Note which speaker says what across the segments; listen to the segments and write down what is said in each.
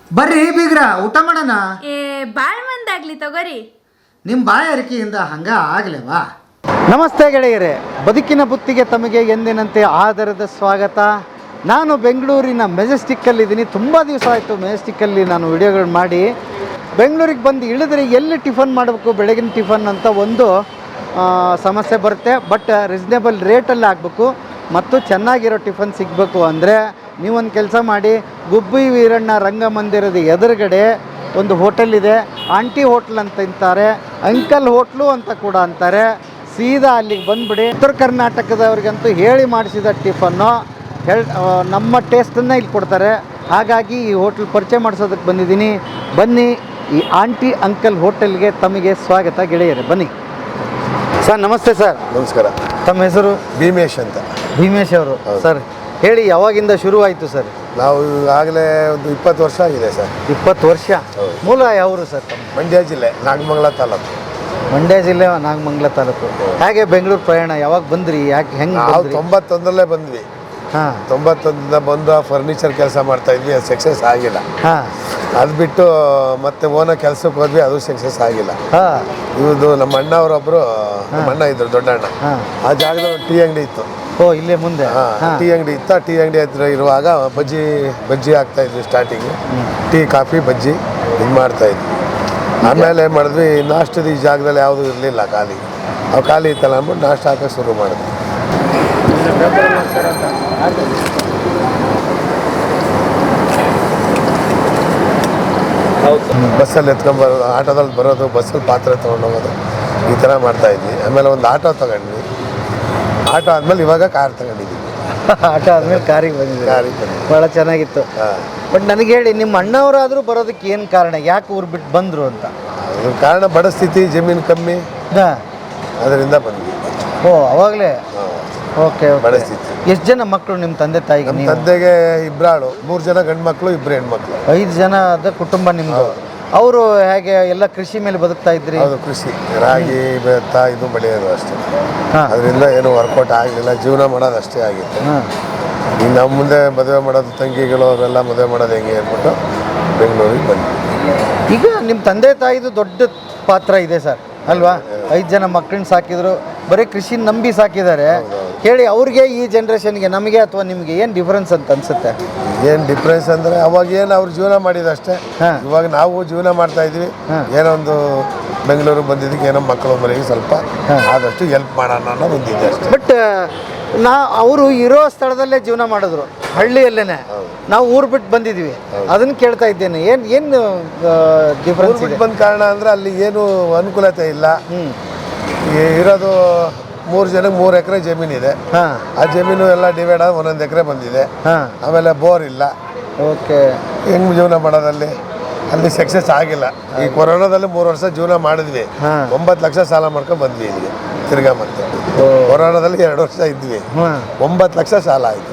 Speaker 1: ಬರ್ರಿ ಬೀಗ್ರ ಊಟ ಮಾಡೋಣ.
Speaker 2: ಬಾಳ್ ಮಂದಾಗ್ಲಿ ತಗೋರಿ.
Speaker 1: ನಿಮ್ಮ ಬಾಯ ಅರಿಕೆಯಿಂದ ಹಂಗ ಆಗ್ಲೇವಾ?
Speaker 3: ನಮಸ್ತೆ ಗೆಳೆಯರೇ, ಬದುಕಿನ ಬುತ್ತಿಗೆ ತಮಗೆ ಎಂದಿನಂತೆ ಆದರದ ಸ್ವಾಗತ. ನಾನು ಬೆಂಗಳೂರಿನ ಮೆಜೆಸ್ಟಿಕ್ಕಲ್ಲಿದ್ದೀನಿ. ತುಂಬ ದಿವಸ ಆಯಿತು ಮೆಜೆಸ್ಟಿಕ್ಕಲ್ಲಿ ನಾನು ವಿಡಿಯೋಗಳು ಮಾಡಿ. ಬೆಂಗಳೂರಿಗೆ ಬಂದು ಇಳಿದ್ರೆ ಎಲ್ಲಿ ಟಿಫನ್ ಮಾಡಬೇಕು, ಬೆಳಗಿನ ಟಿಫನ್ ಅಂತ ಒಂದು ಸಮಸ್ಯೆ ಬರುತ್ತೆ. ಬಟ್ ರೀಸ್ನೇಬಲ್ ರೇಟಲ್ಲಿ ಆಗಬೇಕು ಮತ್ತು ಚೆನ್ನಾಗಿರೋ ಟಿಫನ್ ಸಿಗಬೇಕು ಅಂದರೆ ನೀವೊಂದು ಕೆಲಸ ಮಾಡಿ. ಗುಬ್ಬಿ ವೀರಣ್ಣ ರಂಗಮಂದಿರದ ಎದುರುಗಡೆ ಒಂದು ಹೋಟೆಲ್ ಇದೆ, ಆಂಟಿ ಹೋಟ್ಲ್ ಅಂತ ಅಂತಾರೆ, ಅಂಕಲ್ ಹೋಟ್ಲು ಅಂತ ಕೂಡ ಅಂತಾರೆ. ಸೀದಾ ಅಲ್ಲಿಗೆ ಬಂದುಬಿಡಿ. ಉತ್ತರ ಕರ್ನಾಟಕದವ್ರಿಗಂತೂ ಹೇಳಿ ಮಾಡಿಸಿದ ಟಿಫನ್ನು ನಮ್ಮ ಟೇಸ್ಟನ್ನು ಇಲ್ಲಿ ಕೊಡ್ತಾರೆ. ಹಾಗಾಗಿ ಈ ಹೋಟ್ಲ್ ಪರಿಚಯ ಮಾಡಿಸೋದಕ್ಕೆ ಬಂದಿದ್ದೀನಿ. ಬನ್ನಿ, ಈ ಆಂಟಿ ಅಂಕಲ್ ಹೋಟೆಲ್ಗೆ ತಮಗೆ ಸ್ವಾಗತ ಗೆಳೆಯರೆ, ಬನ್ನಿ. ಸರ್ ನಮಸ್ತೆ. ಸರ್
Speaker 4: ನಮಸ್ಕಾರ.
Speaker 3: ತಮ್ಮ ಹೆಸರು?
Speaker 4: ಭೀಮೇಶ್ ಅಂತ.
Speaker 3: ಭೀಮೇಶ್ ಅವರು. ಸರ್ ಹೇಳಿ, ಯಾವಾಗಿಂದ ಶುರುವಾಯಿತು ಸರ್?
Speaker 4: ನಾವು ಆಗಲೇ ಒಂದು 20 ವರ್ಷ ಆಗಿದೆ ಸರ್.
Speaker 3: 20 ವರ್ಷ. ಮೂಲ ಯಾವರು ಸರ್ ತಮ್ಮ?
Speaker 4: ಮಂಡ್ಯ ಜಿಲ್ಲೆ, ನಾಗಮಂಗಲ ತಾಲೂಕು.
Speaker 3: ಮಂಡ್ಯ ಜಿಲ್ಲೆ, ನಾಗಮಂಗಲ ತಾಲೂಕು. ಹೇಗೆ ಬೆಂಗಳೂರು ಪ್ರಯಾಣ ಯಾವಾಗ ಬಂದ್ರಿ? ಯಾಕೆ ಹೆಂಗೆ?
Speaker 4: ನಾವು 91ರಲ್ಲೇ ಬಂದ್ವಿ.
Speaker 3: ಹಾಂ,
Speaker 4: 91ರಿಂದ ಬಂದು ಫರ್ನಿಚರ್ ಕೆಲಸ ಮಾಡ್ತಾ ಇದ್ವಿ, ಅದು ಸಕ್ಸಸ್ ಆಗಿಲ್ಲ.
Speaker 3: ಹಾಂ,
Speaker 4: ಅದು ಬಿಟ್ಟು ಮತ್ತೆ ಓನ ಕೆಲಸಕ್ಕೆ ಹೋದ್ವಿ, ಅದು ಸಕ್ಸಸ್ ಆಗಿಲ್ಲ.
Speaker 3: ಹಾಂ,
Speaker 4: ಇವ್ದು ನಮ್ಮ ಅಣ್ಣವರೊಬ್ಬರು, ನಮ್ಮ ಅಣ್ಣ ಇದ್ರು, ದೊಡ್ಡ ಅಣ್ಣ.
Speaker 3: ಹಾಂ.
Speaker 4: ಆ ಜಾಗದಲ್ಲಿ ಒಂದು ಟೀ ಅಂಗಡಿ ಇತ್ತು.
Speaker 3: ಓ, ಇಲ್ಲೇ ಮುಂದೆ? ಹಾಂ.
Speaker 4: ಟೀ ಅಂಗಡಿ ಇತ್ತು. ಟೀ ಅಂಗಡಿ ಹತ್ರ ಇರುವಾಗ ಬಜ್ಜಿ ಆಗ್ತಾ ಇದ್ವಿ. ಸ್ಟಾರ್ಟಿಂಗು ಟೀ, ಕಾಫಿ, ಬಜ್ಜಿ ಇದು ಮಾಡ್ತಾ ಇದ್ವಿ. ಆಮೇಲೆ ಏನು ಮಾಡಿದ್ವಿ, ನಾಷ್ಟದ ಈ ಜಾಗದಲ್ಲಿ ಯಾವುದೂ ಇರಲಿಲ್ಲ, ಖಾಲಿ. ಅವು ಖಾಲಿ ಇತ್ತಲ್ಲ ಅಂದ್ಬಿಟ್ಟು ನಾಷ್ಟ ಹಾಕೋಕೆ ಶುರು ಮಾಡಿದ್ವಿ. ಬಸ್ಸಲ್ಲಿ ಎತ್ಕೊಂಡ್ಬರೋದು, ಆಟೋದಲ್ಲಿ ಬರೋದು, ಬಸ್ಸಲ್ಲಿ ಪಾತ್ರೆ ತೊಗೊಂಡೋಗೋದು, ಈ ಥರ ಮಾಡ್ತಾಯಿದ್ವಿ. ಆಮೇಲೆ ಒಂದು ಆಟೋ ತೊಗೊಂಡ್ವಿ. ಆಟೋ ಆದಮೇಲೆ ಇವಾಗ ಕಾರ್ ತಗೊಂಡಿದ್ದೀವಿ.
Speaker 3: ಆಟೋ ಆದಮೇಲೆ ಕಾರಿಗೆ ಬಂದಿದೆ.
Speaker 4: ಕಾರಿಗೆ ಬಂದ್ವಿ.
Speaker 3: ಭಾಳ ಚೆನ್ನಾಗಿತ್ತು.
Speaker 4: ಹಾಂ.
Speaker 3: ಬಟ್ ನನಗೆ ಹೇಳಿ, ನಿಮ್ಮ ಅಣ್ಣವರಾದರೂ ಬರೋದಕ್ಕೆ ಏನು ಕಾರಣ? ಯಾಕೆ ಊರು ಬಿಟ್ಟು ಬಂದರು ಅಂತ?
Speaker 4: ಅದ್ರ ಕಾರಣ ಬಡ ಸ್ಥಿತಿ, ಜಮೀನು ಕಮ್ಮಿ,
Speaker 3: ಹಾಂ,
Speaker 4: ಅದರಿಂದ ಬಂದ್ವಿ.
Speaker 3: ಓ, ಅವಾಗಲೇ. ಓಕೆ.
Speaker 4: ಬಡ ಸ್ಥಿತಿ.
Speaker 3: ಎಷ್ಟು ಜನ ಮಕ್ಕಳು ನಿಮ್ಮ ತಂದೆ ತಾಯಿಗೆ?
Speaker 4: ನಮ್ಮ ತಂದೆಗೆ 2 ಆಳು, 3 ಜನ ಗಂಡು ಮಕ್ಕಳು, 2 ಹೆಣ್ಮಕ್ಳು.
Speaker 3: 5 ಜನದ ಕುಟುಂಬ ನಿಮ್ಮದು. ಅವರು ಹೇಗೆ ಎಲ್ಲ ಕೃಷಿ ಮೇಲೆ ಬದುಕ್ತಾ ಇದ್ರಿ?
Speaker 4: ಹೌದು, ಕೃಷಿ, ರಾಗಿ, ಭತ್ತ ಇದು ಬೆಳೆಯೋದು ಅಷ್ಟೇ.
Speaker 3: ಹಾಂ,
Speaker 4: ಅದರಿಂದ ಏನು ವರ್ಕೌಟ್ ಆಗಲಿಲ್ಲ, ಜೀವನ ಮಾಡೋದು ಅಷ್ಟೇ ಆಗಿತ್ತು.
Speaker 3: ಹಾಂ.
Speaker 4: ಈಗ ನಮ್ಮ ಮುಂದೆ ಮದುವೆ ಮಾಡೋದು, ತಂಗಿಗಳು ಅವರೆಲ್ಲ ಮದುವೆ ಮಾಡೋದು ಹೆಂಗೆ ಅಂದ್ಬಿಟ್ಟು ಬೆಂಗಳೂರಿಗೆ ಬಂದ್ವಿ.
Speaker 3: ಈಗ ನಿಮ್ಮ ತಂದೆ ತಾಯಿದು ದೊಡ್ಡ ಪಾತ್ರ ಇದೆ ಸರ್, ಅಲ್ವಾ? 5 ಜನ ಮಕ್ಕಳನ್ನ ಸಾಕಿದ್ರು, ಬರೀ ಕೃಷಿ ನಂಬಿ ಸಾಕಿದ್ದಾರೆ. ಹೇಳಿ, ಅವ್ರಿಗೆ ಈ ಜನ್ರೇಷನ್ಗೆ, ನಮಗೆ ಅಥವಾ ನಿಮಗೆ ಏನು ಡಿಫ್ರೆನ್ಸ್ ಅಂತ ಅನ್ಸುತ್ತೆ?
Speaker 4: ಏನು ಡಿಫ್ರೆನ್ಸ್ ಅಂದರೆ, ಅವಾಗ ಏನು ಅವ್ರು ಜೀವನ ಮಾಡಿದಷ್ಟೇ, ಇವಾಗ ನಾವು ಜೀವನ ಮಾಡ್ತಾ ಇದ್ವಿ. ಏನೋ ಒಂದು ಬೆಂಗಳೂರು ಬಂದಿದ್ದಕ್ಕೆ ಏನೋ ಮಕ್ಕಳು ಮನೆಗೆ ಸ್ವಲ್ಪ ಆದಷ್ಟು ಹೆಲ್ಪ್ ಮಾಡೋಣ ಅನ್ನೋ ಒಂದಿದೆ ಅಷ್ಟೇ.
Speaker 3: ಬಟ್ ಅವರು ಇರೋ ಸ್ಥಳದಲ್ಲೇ ಜೀವನ ಮಾಡಿದ್ರು, ಹಳ್ಳಿಯಲ್ಲೇ. ನಾವು ಊರು ಬಿಟ್ಟು ಬಂದಿದ್ವಿ, ಅದನ್ನು ಕೇಳ್ತಾ ಇದ್ದೇನೆ. ಏನು ಡಿಫ್ರೆನ್ಸ್
Speaker 4: ಬಂದ ಕಾರಣ ಅಂದರೆ ಅಲ್ಲಿ ಏನು ಅನುಕೂಲತೆ ಇಲ್ಲ. ಇರೋದು 3 ಜನಕ್ಕೆ 3 ಎಕರೆ ಜಮೀನಿದೆ. ಆ ಜಮೀನು ಎಲ್ಲ ಡಿವೈಡ್ ಆಗಿ 1 ಎಕರೆ ಬಂದಿದೆ. ಆಮೇಲೆ ಬೋರ್ ಇಲ್ಲ.
Speaker 3: ಓಕೆ.
Speaker 4: ಹೆಂಗ್ ಜೀವನ ಮಾಡೋದಲ್ಲಿ ಅಲ್ಲಿ ಸಕ್ಸಸ್ ಆಗಿಲ್ಲ. ಈ ಕೊರೋನಾದಲ್ಲಿ 3 ವರ್ಷ ಜೀವನ ಮಾಡಿದ್ವಿ. 9 ಲಕ್ಷ ಸಾಲ ಮಾಡ್ಕೊಂಡು ಬಂದ್ವಿ ಇಲ್ಲಿಗೆ ತಿರ್ಗಾ. ಮತ್ತೆ ಕೊರೋನಾದಲ್ಲಿ 2 ವರ್ಷ ಇದ್ವಿ, 9 ಲಕ್ಷ ಸಾಲ ಆಯ್ತು.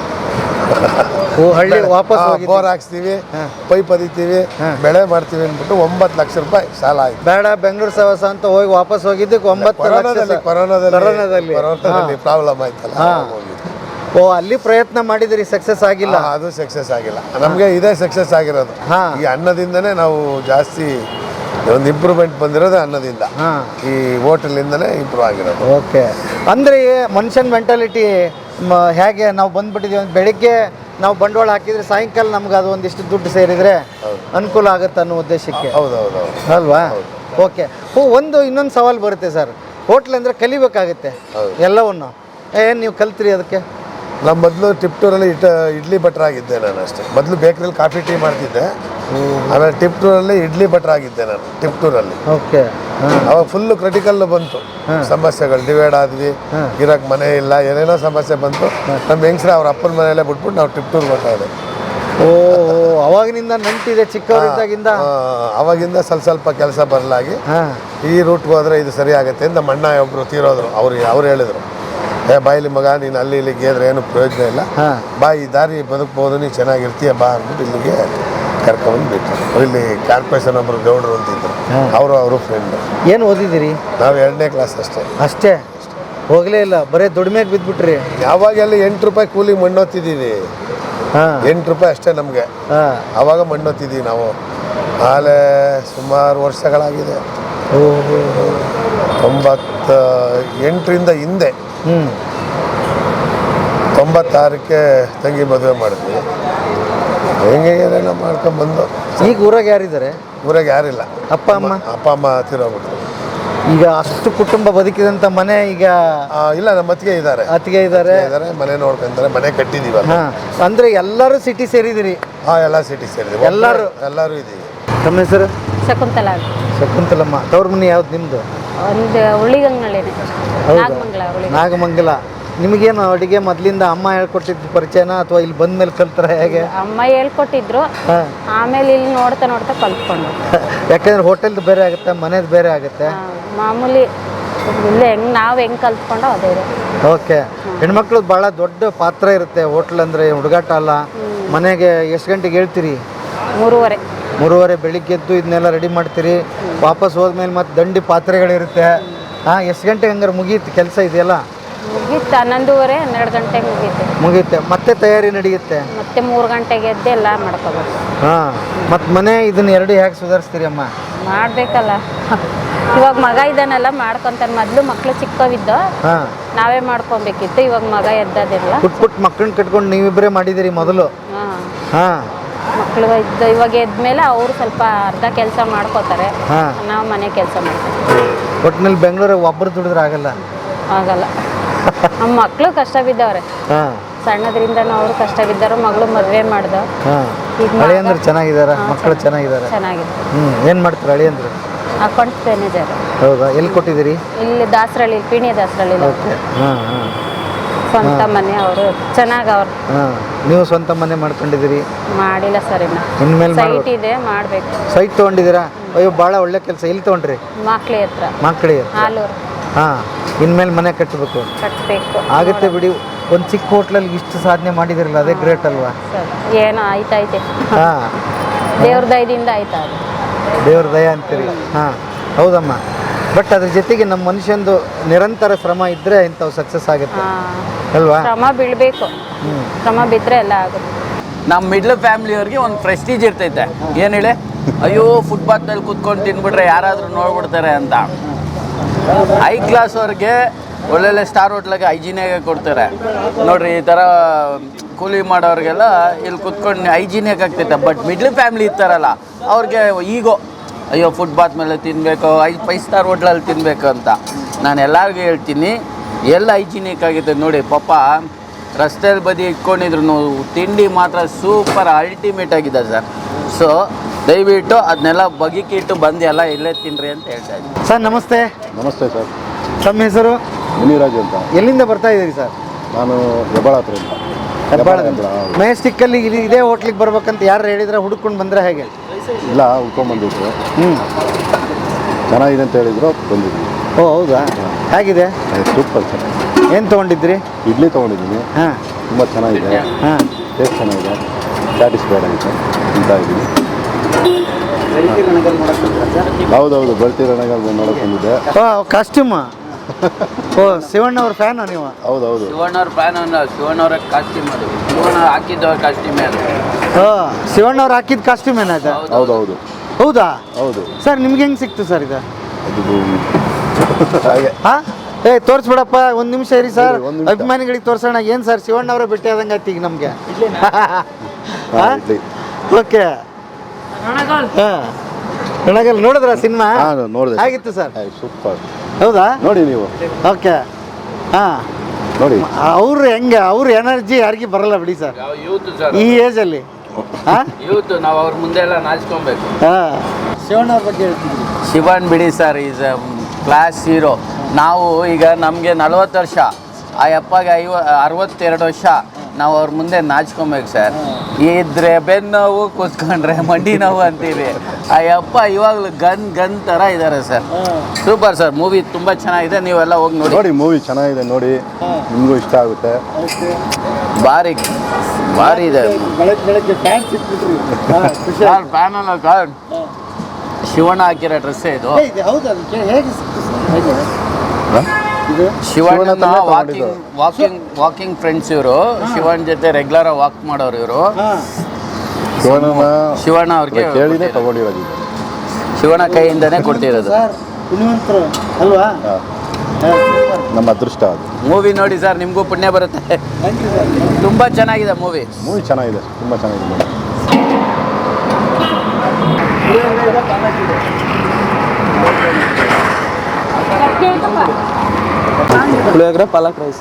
Speaker 3: ಹಳ್ಳಿ ವಾಪಸ್
Speaker 4: ಬೋರ್ ಹಾಕ್ಸ್ತೀವಿ, ಪೈಪ್ ಅದಿತೀವಿ, ಬೆಳೆ ಮಾಡ್ತೀವಿ ಅಂದ್ಬಿಟ್ಟು 9 ಲಕ್ಷ ರೂಪಾಯಿ ಸಾಲ ಆಯ್ತು.
Speaker 3: ಬೇಡ ಬೆಂಗಳೂರು ಸವಸ ಅಂತ ಹೋಗಿ ವಾಪಸ್ ಹೋಗಿದ್ದಕ್ಕೆ 9 ಲಕ್ಷ.
Speaker 4: ಕೊರೋನಾದಲ್ಲಿ ಪ್ರಾಬ್ಲಮ್ ಆಯ್ತಲ್ಲ.
Speaker 3: ಓ, ಅಲ್ಲಿ ಪ್ರಯತ್ನ ಮಾಡಿದ್ರಿ, ಸಕ್ಸಸ್ ಆಗಿಲ್ಲ?
Speaker 4: ಅದು ಸಕ್ಸಸ್ ಆಗಿಲ್ಲ. ನಮಗೆ ಇದೇ ಸಕ್ಸಸ್ ಆಗಿರೋದು. ಈ ಅನ್ನದಿಂದನೇ ನಾವು ಜಾಸ್ತಿ ಒಂದು ಇಂಪ್ರೂವ್ಮೆಂಟ್ ಬಂದಿರೋದು, ಅನ್ನದಿಂದ. ಈ ಹೋಟೆಲಿಂದನೇ ಇಂಪ್ರೂವ್ ಆಗಿರೋದು.
Speaker 3: ಓಕೆ. ಅಂದರೆ ಮನುಷ್ಯನ ಮೆಂಟಾಲಿಟಿ ಹೇಗೆ, ನಾವು ಬಂದ್ಬಿಟ್ಟಿದ್ದೀವಿ ಅಂತ ಬೆಳಿಗ್ಗೆ ನಾವು ಬಂಡವಾಳ ಹಾಕಿದರೆ ಸಾಯಂಕಾಲ ನಮ್ಗೆ ಅದು ಒಂದಿಷ್ಟು ದುಡ್ಡು ಸೇರಿದರೆ ಅನುಕೂಲ ಆಗುತ್ತೆ ಅನ್ನೋ ಉದ್ದೇಶಕ್ಕೆ.
Speaker 4: ಹೌದೌದು,
Speaker 3: ಅಲ್ವಾ? ಓಕೆ. ಇನ್ನೊಂದು ಸವಾಲು ಬರುತ್ತೆ ಸರ್. ಹೋಟ್ಲ್ ಅಂದರೆ ಕಲಿಬೇಕಾಗುತ್ತೆ ಎಲ್ಲವನ್ನು. ಏನು ನೀವು ಕಲ್ತ್ರಿ ಅದಕ್ಕೆ?
Speaker 4: ನಾನು ಮೊದಲು ಟಿಪ್ಟೂರಲ್ಲಿ ಇಡ್ಲಿ ಭಟ್ರಾಗಿದ್ದೆ ನಾನು ಅಷ್ಟೇ. ಮೊದಲು ಬೇಕ್ರಿಯಲ್ಲಿ ಕಾಫಿ ಟೀ ಮಾಡ್ತಿದ್ದೆ. ಆಮೇಲೆ ಟಿಪ್ಟೂರಲ್ಲಿ ಇಡ್ಲಿ ಭಟ್ರಾಗಿದ್ದೆ ನಾನು ಟಿಪ್ಟೂರಲ್ಲಿ.
Speaker 3: ಓಕೆ.
Speaker 4: ಅವಾಗ ಫುಲ್ಲು ಕ್ರಿಟಿಕಲ್ ಬಂತು ಸಮಸ್ಯೆಗಳು. ಡಿವೈಡ್ ಆದ್ವಿ, ಇರೋಕ್ಕೆ ಮನೆ ಇಲ್ಲ, ಏನೇನೋ ಸಮಸ್ಯೆ ಬಂತು. ನಮ್ಮ ಹೆಂಗಸ್ರೆ ಅವ್ರ ಅಪ್ಪನ ಮನೆಯಲ್ಲೇ ಬಿಟ್ಬಿಟ್ಟು ನಾವು ಟಿಪ್ಟೂರ್ ಬರ್ತಾಯಿದ್ದೆ.
Speaker 3: ಓ, ಅವಾಗಿನಿಂದ ನಂಟಿದೆ ಚಿಕ್ಕವರಿದ್ದಾಗಿಂದ?
Speaker 4: ಅವಾಗಿಂದ ಸ್ವಲ್ಪ ಕೆಲಸ ಬರಲಾಗಿ ಈ ರೂಟ್ಗೆ ಹೋದರೆ ಇದು ಸರಿ ಆಗುತ್ತೆ ಅಂತ ನಮ್ಮ ಅಣ್ಣ ಒಬ್ಬರು ತೀರೋದ್ರು. ಅವ್ರು ಹೇಳಿದ್ರು, ಬಾಯಿಲಿ ಮಗ, ನೀನು ಅಲ್ಲಿ ಇಲ್ಲಿ ಗೇದ್ರೆ ಏನು ಪ್ರಯೋಜನ ಇಲ್ಲ, ಬಾ ಈ ದಾರಿ ಬದುಕ್ಬೋದು, ನೀನು ಚೆನ್ನಾಗಿರ್ತೀಯ ಬಾ ಅಂದ್ಬಿಟ್ಟು ಇಲ್ಲಿಗೆ ಕರ್ಕೊಂಡು ಬಿಟ್ಟರು. ಇಲ್ಲಿ ಕಾರ್ಪೊರೇಷನ್ ಒಬ್ಬರು ಗೌಡ್ರು ಅಂತಿದ್ರು, ಅವರು ಫ್ರೆಂಡ್.
Speaker 3: ಏನು ಓದಿದ್ದೀರಿ?
Speaker 4: ನಾವು 2ನೇ ಕ್ಲಾಸ್
Speaker 3: ಅಷ್ಟೇ. ಹೋಗಲೇ ಇಲ್ಲ, ಬರೀ ದುಡಿಮೆಗೆ ಬಿದ್ದುಬಿಟ್ರಿ?
Speaker 4: ಯಾವಾಗೆಲ್ಲ 8 ರೂಪಾಯಿ ಕೂಲಿ ಮಣ್ಣೊತ್ತಿದ್ದೀವಿ. 8 ರೂಪಾಯಿ ಅಷ್ಟೇ ನಮಗೆ. ಆವಾಗ ಮಣ್ಣು ಹೊತ್ತಿದ್ದೀವಿ ನಾವು. ಆಲೆ ಸುಮಾರು ವರ್ಷಗಳಾಗಿದೆ. 98ರಿಂದ ಹಿಂದೆ 96ಕ್ಕೆ ತಂಗಿ ಮದುವೆ ಮಾಡಿದ್ವಿ. ಹೆಂಗೆ ಏನೆಲ್ಲ ಮಾಡ್ಕೊಂಡ್ಬಂದು.
Speaker 3: ಈಗ ಊರಾಗ ಯಾರಿದ್ದಾರೆ?
Speaker 4: ಊರಾಗ ಯಾರಿಲ್ಲ.
Speaker 3: ಅಪ್ಪ ಅಮ್ಮ
Speaker 4: ತಿರೋಗ್ಬಿಟ್ರು.
Speaker 3: ಈಗ ಅಷ್ಟು ಕುಟುಂಬ ಬದುಕಿದಂಥ ಮನೆ ಈಗ
Speaker 4: ಇಲ್ಲ, ನಮ್ಮ ಅತ್ತಿಗೆ ಇದ್ದಾರೆ, ಮನೆ ನೋಡ್ಕೊಂತಾರೆ, ಮನೆ ಕಟ್ಟಿದೀವಲ್ಲ.
Speaker 3: ಅಂದ್ರೆ ಎಲ್ಲರೂ ಸಿಟಿ ಸೇರಿದಿರಿ?
Speaker 4: ಎಲ್ಲ ಸಿಟಿ ಸೇರಿದೀವಿ, ಎಲ್ಲರೂ ಇದೀವಿ.
Speaker 3: ತಮ್ಮ ಹೆಸರು? ಶಕುಂತಲಮ್ಮ. ತವ್ರ ಮನೆ ಯಾವ್ದು ನಿಮ್ದು?
Speaker 5: ಒಂದು ಉಳಿಗಂಗಳಿದೆ,
Speaker 3: ನಾಗಮಂಗಲ. ನಿಮಗೇನು ಅಡುಗೆ ಮೊದಲಿಂದ ಅಮ್ಮ ಹೇಳ್ಕೊಟ್ಟಿದ್ದು ಪರಿಚಯನ ಅಥವಾ ಇಲ್ಲಿ ಬಂದ ಮೇಲೆ ಕಲ್ತಾರ ಹೇಗೆ?
Speaker 5: ಅಮ್ಮ ಹೇಳ್ಕೊಟ್ಟಿದ್ರು, ಆಮೇಲೆ ಇಲ್ಲಿ ನೋಡ್ತಾ ನೋಡ್ತಾ ಕಲ್ತ್ಕೊಂಡು.
Speaker 3: ಯಾಕಂದ್ರೆ ಹೋಟೆಲ್ದು ಬೇರೆ ಆಗುತ್ತೆ, ಮನೇದು ಬೇರೆ ಆಗುತ್ತೆ.
Speaker 5: ಮಾಮೂಲಿ ಇಲ್ಲಿ ನಾವು ಹೆಂಗೆ ಕಲ್ತ್ಕೊಂಡೋ ಅದೇ.
Speaker 3: ಓಕೆ. ಹೆಣ್ಮಕ್ಳು ಭಾಳ ದೊಡ್ಡ ಪಾತ್ರ ಇರುತ್ತೆ ಹೋಟ್ಲ್ ಅಂದರೆ, ಹುಡುಗಾಟ ಅಲ್ಲ. ಮನೆಗೆ ಎಷ್ಟು ಗಂಟೆಗೆ ಹೇಳ್ತೀರಿ? 3:30 ಬೆಳಿಗ್ಗೆ ಎದ್ದು ಇದನ್ನೆಲ್ಲ ರೆಡಿ ಮಾಡ್ತೀರಿ. ವಾಪಸ್ ಹೋದ್ಮೇಲೆ ಮತ್ತೆ ದಂಡಿ ಪಾತ್ರೆಗಳಿರುತ್ತೆ. ಎಷ್ಟು ಗಂಟೆಗೆ ಹಂಗಾರೆ ಮುಗೀತು ಕೆಲಸ ಇದೆಯಲ್ಲ?
Speaker 5: ಮುಗೀತು 11:30 12 ಗಂಟೆಗೆ
Speaker 3: ಮುಗೀತೆ. ಮತ್ತೆ ತಯಾರಿ ನಡೆಯುತ್ತೆ,
Speaker 5: ಮತ್ತೆ 3 ಗಂಟೆಗೆ ಎದ್ದು ಎಲ್ಲ ಮಾಡ್ಕೋಬೇಕು.
Speaker 3: ಮತ್ತು ಮನೆ ಇದನ್ನ ಎರಡು ಹೇಗೆ ಸುಧಾರಿಸ್ತೀರಿ ಅಮ್ಮ?
Speaker 5: ಮಾಡಬೇಕಲ್ಲ, ಇವಾಗ ಮಗ ಇದ್ದಾನೆಲ್ಲ ಮಾಡ್ಕೊತಾನೆ. ಮೊದಲು ಮಕ್ಕಳು ಚಿಕ್ಕವಿದ್ದು ನಾವೇ ಮಾಡ್ಕೊಬೇಕಿತ್ತು, ಇವಾಗ ಮಗ ಎದ್ದದಿಲ್ಲ.
Speaker 3: ಪುಟ್ ಮಕ್ಕಳನ್ನ ಕಟ್ಕೊಂಡು ನೀವಿಬ್ಬರೇ ಮಾಡಿದಿರಿ ಮೊದಲು?
Speaker 5: ಮಕ್ಕಳು ಇವಾಗ ಎದ್ಮೇಲೆ ಅವರು ಸ್ವಲ್ಪ ಅರ್ಧ ಕೆಲಸ ಮಾಡ್ಕೋತಾರೆ, ನಾವು ಮನೆ ಕೆಲಸ ಮಾಡ್ತೀವಿ.
Speaker 3: ಒಟ್ಟಿನಲ್ಲಿ ಬೆಂಗಳೂರು ಒಬ್ಬರು ದುಡಿದ್ರೆ ಆಗಲ್ಲ.
Speaker 5: ನಮ್ಮ ಮಕ್ಕಳು ಕಷ್ಟ ಬಿದ್ದವ್ರೆ, ಸಣ್ಣದ್ರಿಂದ ಅವರು ಕಷ್ಟ ಬಿದ್ದಾರು. ಮಗಳು ಮದುವೆ ಮಾಡ್ದ.
Speaker 3: ಅಳಿಯಂದ್ರು ಚೆನ್ನಾಗಿದಾರ? ಮಕ್ಕಳು ಚೆನ್ನಾಗಿದ್ದಾರೆ? ಏನ್ ಮಾಡ್ತಾರೆ ಅಳಿಯಂದ್ರು?
Speaker 5: Account manager.
Speaker 3: ಹೌದಾ? ಎಲ್ಲಿ ಕೊಟ್ಟಿದ್ದೀರಿ?
Speaker 5: ಇಲ್ಲಿ ದಾಸರಳ್ಳಿ, ಪಿಣಿ ದಾಸರಳ್ಳಿ. ಸ್ವಂತ ಮನೆ, ಅವರು ಚೆನ್ನಾಗಿ. ಅವ್ರು
Speaker 3: ನೀವು ಸ್ವಂತ ಮನೆ ಮಾಡ್ಕೊಂಡಿದ್ದೀರಿ?
Speaker 5: ಮಾಡಿಲ್ಲ ಸರ್,
Speaker 3: ಇನ್ಮೇಲೆ
Speaker 5: ಸೈಟ್ ಇದೆ, ಮಾಡ್ಬೇಕು.
Speaker 3: ಸೈಟ್ ತೊಗೊಂಡಿದ್ದೀರಾ? ಅಯ್ಯೋ ಭಾಳ ಒಳ್ಳೆ ಕೆಲಸ. ಎಲ್ಲಿ ತೊಗೊಂಡ್ರಿ?
Speaker 5: ಮಕ್ಳಿ ಹತ್ರ, ಹಾಲೂರು.
Speaker 3: ಇನ್ಮೇಲೆ ಮನೆ ಕಟ್ಟಬೇಕು. ಆಗುತ್ತೆ ಬಿಡಿ. ಒಂದು ಚಿಕ್ಕ ಹೋಟ್ಲಲ್ಲಿ ಇಷ್ಟು ಸಾಧನೆ ಮಾಡಿದಿರಲ್ಲ, ಅದೇ ಗ್ರೇಟ್ ಅಲ್ವಾ?
Speaker 5: ಏನೋ ಆಯ್ತೈತೆ, ದೇವ್ರ ದಯದಿಂದ ಆಯ್ತಾ.
Speaker 3: ದೇವ್ರ ದಯ ಅಂತೀರಿ? ಹೌದಮ್ಮ. ಬಟ್ ಅದ್ರ ಜೊತೆಗೆ ನಮ್ಮ ಮನುಷ್ಯಂದು ನಿರಂತರ ಶ್ರಮ ಇದ್ರೆ ಇಂಥವು ಸಕ್ಸಸ್ ಆಗುತ್ತೆ ಅಲ್ವಾ?
Speaker 5: ಶ್ರಮ ಬೀಳ್ಬೇಕು, ಶ್ರಮ ಬಿದ್ದರೆ ಎಲ್ಲ ಆಗುತ್ತೆ.
Speaker 6: ನಮ್ಮ ಮಿಡ್ಲ್ ಫ್ಯಾಮಿಲಿಯವ್ರಿಗೆ ಒಂದು ಪ್ರೆಸ್ಟೀಜ್ ಇರ್ತೈತೆ. ಏನು ಹೇಳಿ, ಅಯ್ಯೋ ಫುಟ್ಪಾತ್ನಲ್ಲಿ ಕೂತ್ಕೊಂಡು ತಿನ್ಬಿಟ್ರೆ ಯಾರಾದರೂ ನೋಡ್ಬಿಡ್ತಾರೆ ಅಂತ. ಹೈ ಕ್ಲಾಸ್ ಅವ್ರಿಗೆ ಒಳ್ಳೊಳ್ಳೆ ಸ್ಟಾರ್ ಹೋಟ್ಲಾಗೆ ಹೈಜೀನಿಯಾಗೆ ಕೊಡ್ತಾರೆ ನೋಡ್ರಿ. ಈ ಥರ ಕೂಲಿ ಮಾಡೋರಿಗೆಲ್ಲ ಇಲ್ಲಿ ಕೂತ್ಕೊಂಡು ಹೈಜೀನಿಯಾಗಿ ಆಗ್ತೈತೆ. ಬಟ್ ಮಿಡ್ಲ್ ಫ್ಯಾಮಿಲಿ ಇರ್ತಾರಲ್ಲ, ಅವ್ರಿಗೆ ಈಗೋ ಅಯ್ಯೋ ಫುಟ್ಪಾತ್ ಮೇಲೆ ತಿನ್ನಬೇಕು, 5 ಸ್ಟಾರ್ ಹೋಟ್ಲಲ್ಲಿ ತಿನ್ನಬೇಕು ಅಂತ. ನಾನು ಎಲ್ಲರಿಗೂ ಹೇಳ್ತೀನಿ, ಎಲ್ಲ ಹೈಜೀನಿಕ್ ಆಗಿದೆ ನೋಡಿ. ಪಾಪ ರಸ್ತೆಯಲ್ಲಿ ಬದಿ ಇಟ್ಕೊಂಡಿದ್ರು ತಿಂಡಿ ಮಾತ್ರ ಸೂಪರ್ ಅಲ್ಟಿಮೇಟ್ ಆಗಿದೆ ಸರ್. ಸೊ ದಯವಿಟ್ಟು ಅದನ್ನೆಲ್ಲ ಬಗೆಕಿಟ್ಟು ಬಂದು ಎಲ್ಲ ಇಲ್ಲೇ ತಿನ್ನಿರಿ ಅಂತ ಹೇಳ್ತಾ ಇದ್ದೀನಿ.
Speaker 3: ಸರ್ ನಮಸ್ತೆ.
Speaker 7: ನಮಸ್ತೆ ಸರ್.
Speaker 3: ತಮ್ಮ ಹೆಸರು?
Speaker 7: ಮುನಿರಾಜು ಅಂತ.
Speaker 3: ಎಲ್ಲಿಂದ ಬರ್ತಾ ಇದ್ದೀರಿ ಸರ್?
Speaker 7: ನಾನು ಹೆಬ್ಬಾಳ ಹತ್ರದಿಂದ.
Speaker 3: ಮೆಜೆಸ್ಟಿಕ್ಕಲ್ಲಿ ಇದೇ ಹೋಟ್ಲಿಗೆ ಬರ್ಬೇಕಂತ ಯಾರು ಹೇಳಿದ್ರೆ ಹುಡುಕೊಂಡು ಬಂದರೆ ಹೇಗೆ?
Speaker 7: ಇಲ್ಲ, ಹುಡ್ಕೊಂಡ್ಬಂದಿದ್ರು. ಚೆನ್ನಾಗಿದೆ ಅಂತ ಹೇಳಿದ್ರು, ಬಂದಿದ್ವಿ.
Speaker 3: ಓ ಹೌದಾ? ಹೇಗಿದೆ?
Speaker 7: Super sir.
Speaker 3: ಏನು ತೊಗೊಂಡಿದ್ರಿ?
Speaker 7: ಇಡ್ಲಿ ತೊಗೊಂಡಿದ್ದೀನಿ. ತುಂಬ ಚೆನ್ನಾಗಿದೆ. ಟೇಸ್ಟ್ ಚೆನ್ನಾಗಿದೆ, ಸ್ಯಾಟಿಸ್ಫೈಡ್ ಆಗಿದೆ ಅಂತ ಇದ್ದೀನಿ. ಹೌದೌದು, ಬರ್ತೀರಣ್ಣಗ ನೋಡೋಕೆ ಬಂದಿದ್ದೆ.
Speaker 3: ಕಾಸ್ಟ್ಯೂಮ್? ಓ ಶಿವಣ್ಣ ಅವ್ರ ಫ್ಯಾನ್ ನೀವು?
Speaker 7: ಹೌದೌದು,
Speaker 6: ಶಿವಣ್ಣ ಅವ್ರ ಫ್ಯಾನ್ ಅಲ್ಲ, ಶಿವಣ್ಣ ಅವ್ರ ಕಾಸ್ಟ್ಯೂಮ್ ಅದು. ಶಿವಣ್ಣ ಹಾಕಿದ್ದವ್ರ ಕಾಸ್ಟ್ಯೂಮ್ ಅದು.
Speaker 3: ಶಿವಣ್ಣ ಅವ್ರು ಹಾಕಿದ ಕಾಸ್ಟ್ಯೂಮ್ ಏನಾಯ್ತು?
Speaker 7: ಹೌದೌದು.
Speaker 3: ಹೌದಾ?
Speaker 7: ಹೌದು.
Speaker 3: ಸರ್ ನಿಮ್ಗೆ ಹೆಂಗೆ ಸಿಕ್ತು ಸರ್ ಇದು?
Speaker 7: ಹಾಗೆ.
Speaker 3: ತೋರಿಸ್ಬಿಡಪ್ಪ, ಒಂದು ನಿಮಿಷ ಇರಿ ಸರ್, ಅಭಿಮಾನಿಗಳಿಗೆ ತೋರಿಸೋಣ. ಏನು ಸರ್ ಶಿವಣ್ಣ ಅವರೇ ಭೇಟಿ ಆದಂಗೆ ಆಯ್ತು ಈಗ ನಮಗೆ. ಓಕೆ. ನನಗಲ್ಲಿ ನೋಡಿದ್ರ ಸಿನಿಮಾ?
Speaker 7: ನೋಡಿದೆ.
Speaker 3: ಆಗಿತ್ತು ಸರ್?
Speaker 7: ಸೂಪರ್.
Speaker 3: ಹೌದಾ?
Speaker 7: ನೋಡಿ ನೀವು.
Speaker 3: ಓಕೆ. ನೋಡಿ ಅವ್ರು ಹೆಂಗೆ, ಅವ್ರ ಎನರ್ಜಿ ಯಾರಿಗೂ ಬರಲ್ಲ ಬಿಡಿ ಸರ್, ಈ ಏಜಲ್ಲಿ.
Speaker 6: ಯೂತ್ ನಾವು ಅವ್ರ ಮುಂದೆ ಎಲ್ಲ ನಾಚ್ಕೊಬೇಕು.
Speaker 3: ಶಿವಣ್ಣ ಅವ್ರ ಬಗ್ಗೆ ಹೇಳ್ತಿದ್ವಿ.
Speaker 6: ಶಿವಣ್ಣ ಬಿಡಿ sir, is a class hero. ನಾವು ಈಗ ನಮಗೆ 40 ವರ್ಷ, ಆ ಅಪ್ಪಗೆ 62 ವರ್ಷ. ನಾವು ಅವ್ರ ಮುಂದೆ ನಾಚ್ಕೊಬೇಕು ಸರ್. ಇದ್ರೆ ಬೆನ್ನು ನೋವು, ಕೂತ್ಕೊಂಡ್ರೆ ಮಂಡಿ ನೋವು ಅಂತೀವಿ. ಆ ಅಪ್ಪ ಇವಾಗಲೂ ಗನ್ ಥರ ಇದ್ದಾರೆ ಸರ್. ಸೂಪರ್ ಸರ್, ಮೂವಿ ತುಂಬ ಚೆನ್ನಾಗಿದೆ, ನೀವೆಲ್ಲ ಹೋಗಿ ನೋಡಿ.
Speaker 7: ಮೂವಿ ಚೆನ್ನಾಗಿದೆ, ನೋಡಿ, ನಿಮಗೂ ಇಷ್ಟ ಆಗುತ್ತೆ.
Speaker 6: ಭಾರಿ ಇದೆ. ಫ್ಯಾನ್ ಅಲ್ಲ ಸರ್, ಶಿವಣ್ಣ ಹಾಕಿರೋ ಡ್ರೆಸ್ಸೇ ಇದು. ಶಿವಣ್ಣ ವಾಕಿಂಗ್ ಫ್ರೆಂಡ್ಸ್ ಇವರು. ಶಿವಣ್ಣ ಜೊತೆ ರೆಗ್ಯುಲರ್ ವಾಕ್ ಮಾಡೋರು ಇವರು. ಶಿವಣ್ಣ ಅವ್ರಿಗೆ
Speaker 7: ಕೇಳಿದೆ ತಗೊಂಡಿರೋದು ಇದು.
Speaker 6: ಶಿವಣ್ಣ ಕೈಯಿಂದನೇ ಕೊಡ್ತಿರೋದು.
Speaker 3: ಪುಣ್ಯವಂತರು ಅಲ್ವಾ?
Speaker 7: ನಮ್ಮ ಅದೃಷ್ಟ ಅದು.
Speaker 6: ಮೂವಿ ನೋಡಿ ಸರ್, ನಿಮಗೂ ಪುಣ್ಯ ಬರುತ್ತೆ. ತುಂಬ ಚೆನ್ನಾಗಿದೆ ಮೂವಿ
Speaker 7: ಚೆನ್ನಾಗಿದೆ, ತುಂಬ ಚೆನ್ನಾಗಿದೆ movie.
Speaker 8: Puliyogare palak rice.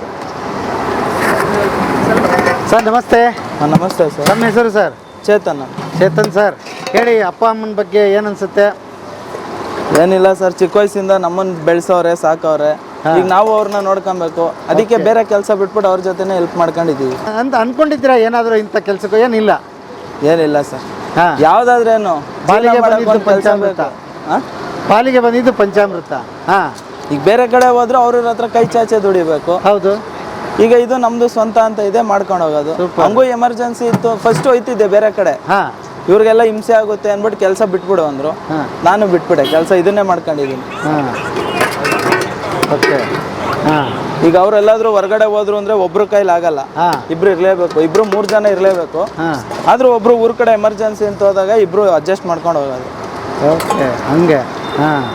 Speaker 3: Sir ನಮಸ್ತೆ.
Speaker 8: ನಮಸ್ತೆ ಸರ್.
Speaker 3: ನಮ್ಮ ಹೆಸರು ಸರ್? ಚೇತನ್ ಸರ್. ಹೇಳಿ, ಅಪ್ಪ ಅಮ್ಮನ ಬಗ್ಗೆ ಏನು ಅನ್ಸುತ್ತೆ?
Speaker 8: ಏನಿಲ್ಲ ಸರ್, ಚಿಕ್ಕ ವಯಸ್ಸಿಂದ ನಮ್ಮನ್ನು ಬೆಳೆಸೋರೆ, ಸಾಕವ್ರೆ. ಈಗ ನಾವು ಅವ್ರನ್ನ ನೋಡ್ಕೊಬೇಕು. ಅದಕ್ಕೆ ಬೇರೆ ಕೆಲಸ ಬಿಟ್ಬಿಟ್ಟು ಅವ್ರ ಜೊತೆನೇ ಹೆಲ್ಪ್ ಮಾಡ್ಕೊಂಡಿದ್ದೀವಿ
Speaker 3: ಅಂತ ಅನ್ಕೊಂಡಿದ್ದೀರಾ? ಏನಾದರೂ ಇಂಥ ಕೆಲಸಕ್ಕೂ ಏನಿಲ್ಲ?
Speaker 8: ಏನಿಲ್ಲ ಸರ್.
Speaker 3: ಹಾಂ,
Speaker 8: ಯಾವುದಾದ್ರೇನು
Speaker 3: ಪಾಲಿಗೆ ಬಂದಿದ್ದು ಪಂಚಾಮೃತ. ಪಾಲಿಗೆ ಬಂದಿದ್ದು ಪಂಚಾಮೃತ. ಹಾಂ,
Speaker 8: ಈಗ ಬೇರೆ ಕಡೆ ಹೋದ್ರೆ ಅವ್ರ ಹತ್ರ ಕೈ ಚಾಚೆ ದುಡಿಬೇಕು.
Speaker 3: ಹೌದು.
Speaker 8: ಈಗ ಇದು ನಮ್ದು ಸ್ವಂತ ಅಂತ ಇದೆ, ಮಾಡ್ಕೊಂಡು ಹೋಗೋದು. ಹಂಗೂ ಎಮರ್ಜೆನ್ಸಿ ಇತ್ತು, ಫಸ್ಟ್ ಹೋಯ್ತಿದ್ದೆ ಬೇರೆ ಕಡೆ.
Speaker 3: ಹಾಂ,
Speaker 8: ಇವ್ರಿಗೆಲ್ಲ ಹಿಂಸೆ ಆಗುತ್ತೆ ಅಂದ್ಬಿಟ್ಟು ಕೆಲಸ ಬಿಟ್ಬಿಡು ಅಂದರು. ನಾನು ಬಿಟ್ಬಿಟ್ಟೆ ಕೆಲಸ, ಇದನ್ನೇ ಮಾಡ್ಕೊಂಡಿದ್ದೀನಿ.
Speaker 3: ಹಾಂ, ಓಕೆ. ಹಾಂ,
Speaker 8: ಈಗ ಅವ್ರೆಲ್ಲಾದ್ರೂ ಹೊರಗಡೆ ಹೋದ್ರು ಅಂದ್ರೆ ಒಬ್ರು ಕೈಲಿ ಆಗಲ್ಲ, ಇಬ್ರು ಇರ್ಲೇಬೇಕು, ಇಬ್ರು 3 ಜನ ಇರ್ಲೇಬೇಕು. ಆದ್ರೂ ಒಬ್ರು ಊರ್ ಕಡೆ ಎಮರ್ಜೆನ್ಸಿ ಅಂತ ಹೋದಾಗ ಇಬ್ರು ಅಡ್ಜಸ್ಟ್ ಮಾಡ್ಕೊಂಡು ಹೋಗೋದು.
Speaker 3: ಓಕೆ, ಹಂಗೆ. ಹಾಂ,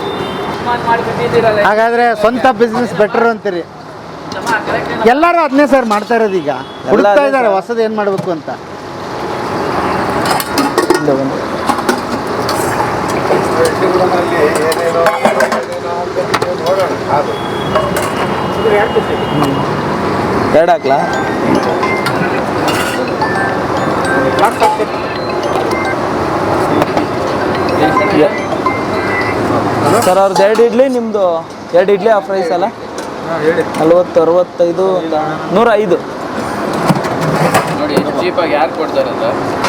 Speaker 3: ಹಾಗಾದ್ರೆ ಸ್ವಂತ ಬಿಸ್ನೆಸ್ ಬೆಟರ್ ಅಂತೀರಿ? ಎಲ್ಲರೂ ಅದನ್ನೇ ಸರ್ ಮಾಡ್ತಾ ಇರೋದು. ಈಗ ಹುಡುಕ್ತಾ ಇದ್ದಾರೆ ಹೊಸದು ಏನು ಮಾಡಬೇಕು ಅಂತ.
Speaker 8: ಎರಡು ಹಾಕ್ಲಾ ಸರ್? ಅವ್ರದ್ದು 2 ಇಡ್ಲಿ, ನಿಮ್ಮದು 2 ಇಡ್ಲಿ ಆಫ್ ರೈಸ್ ಅಲ್ಲ? 40, 65, 105
Speaker 6: ನೋಡಿ ಎಷ್ಟು ಚೀಪಾಗಿ ಯಾರು ಕೊಡ್ತಾರೆ ಅಂತ.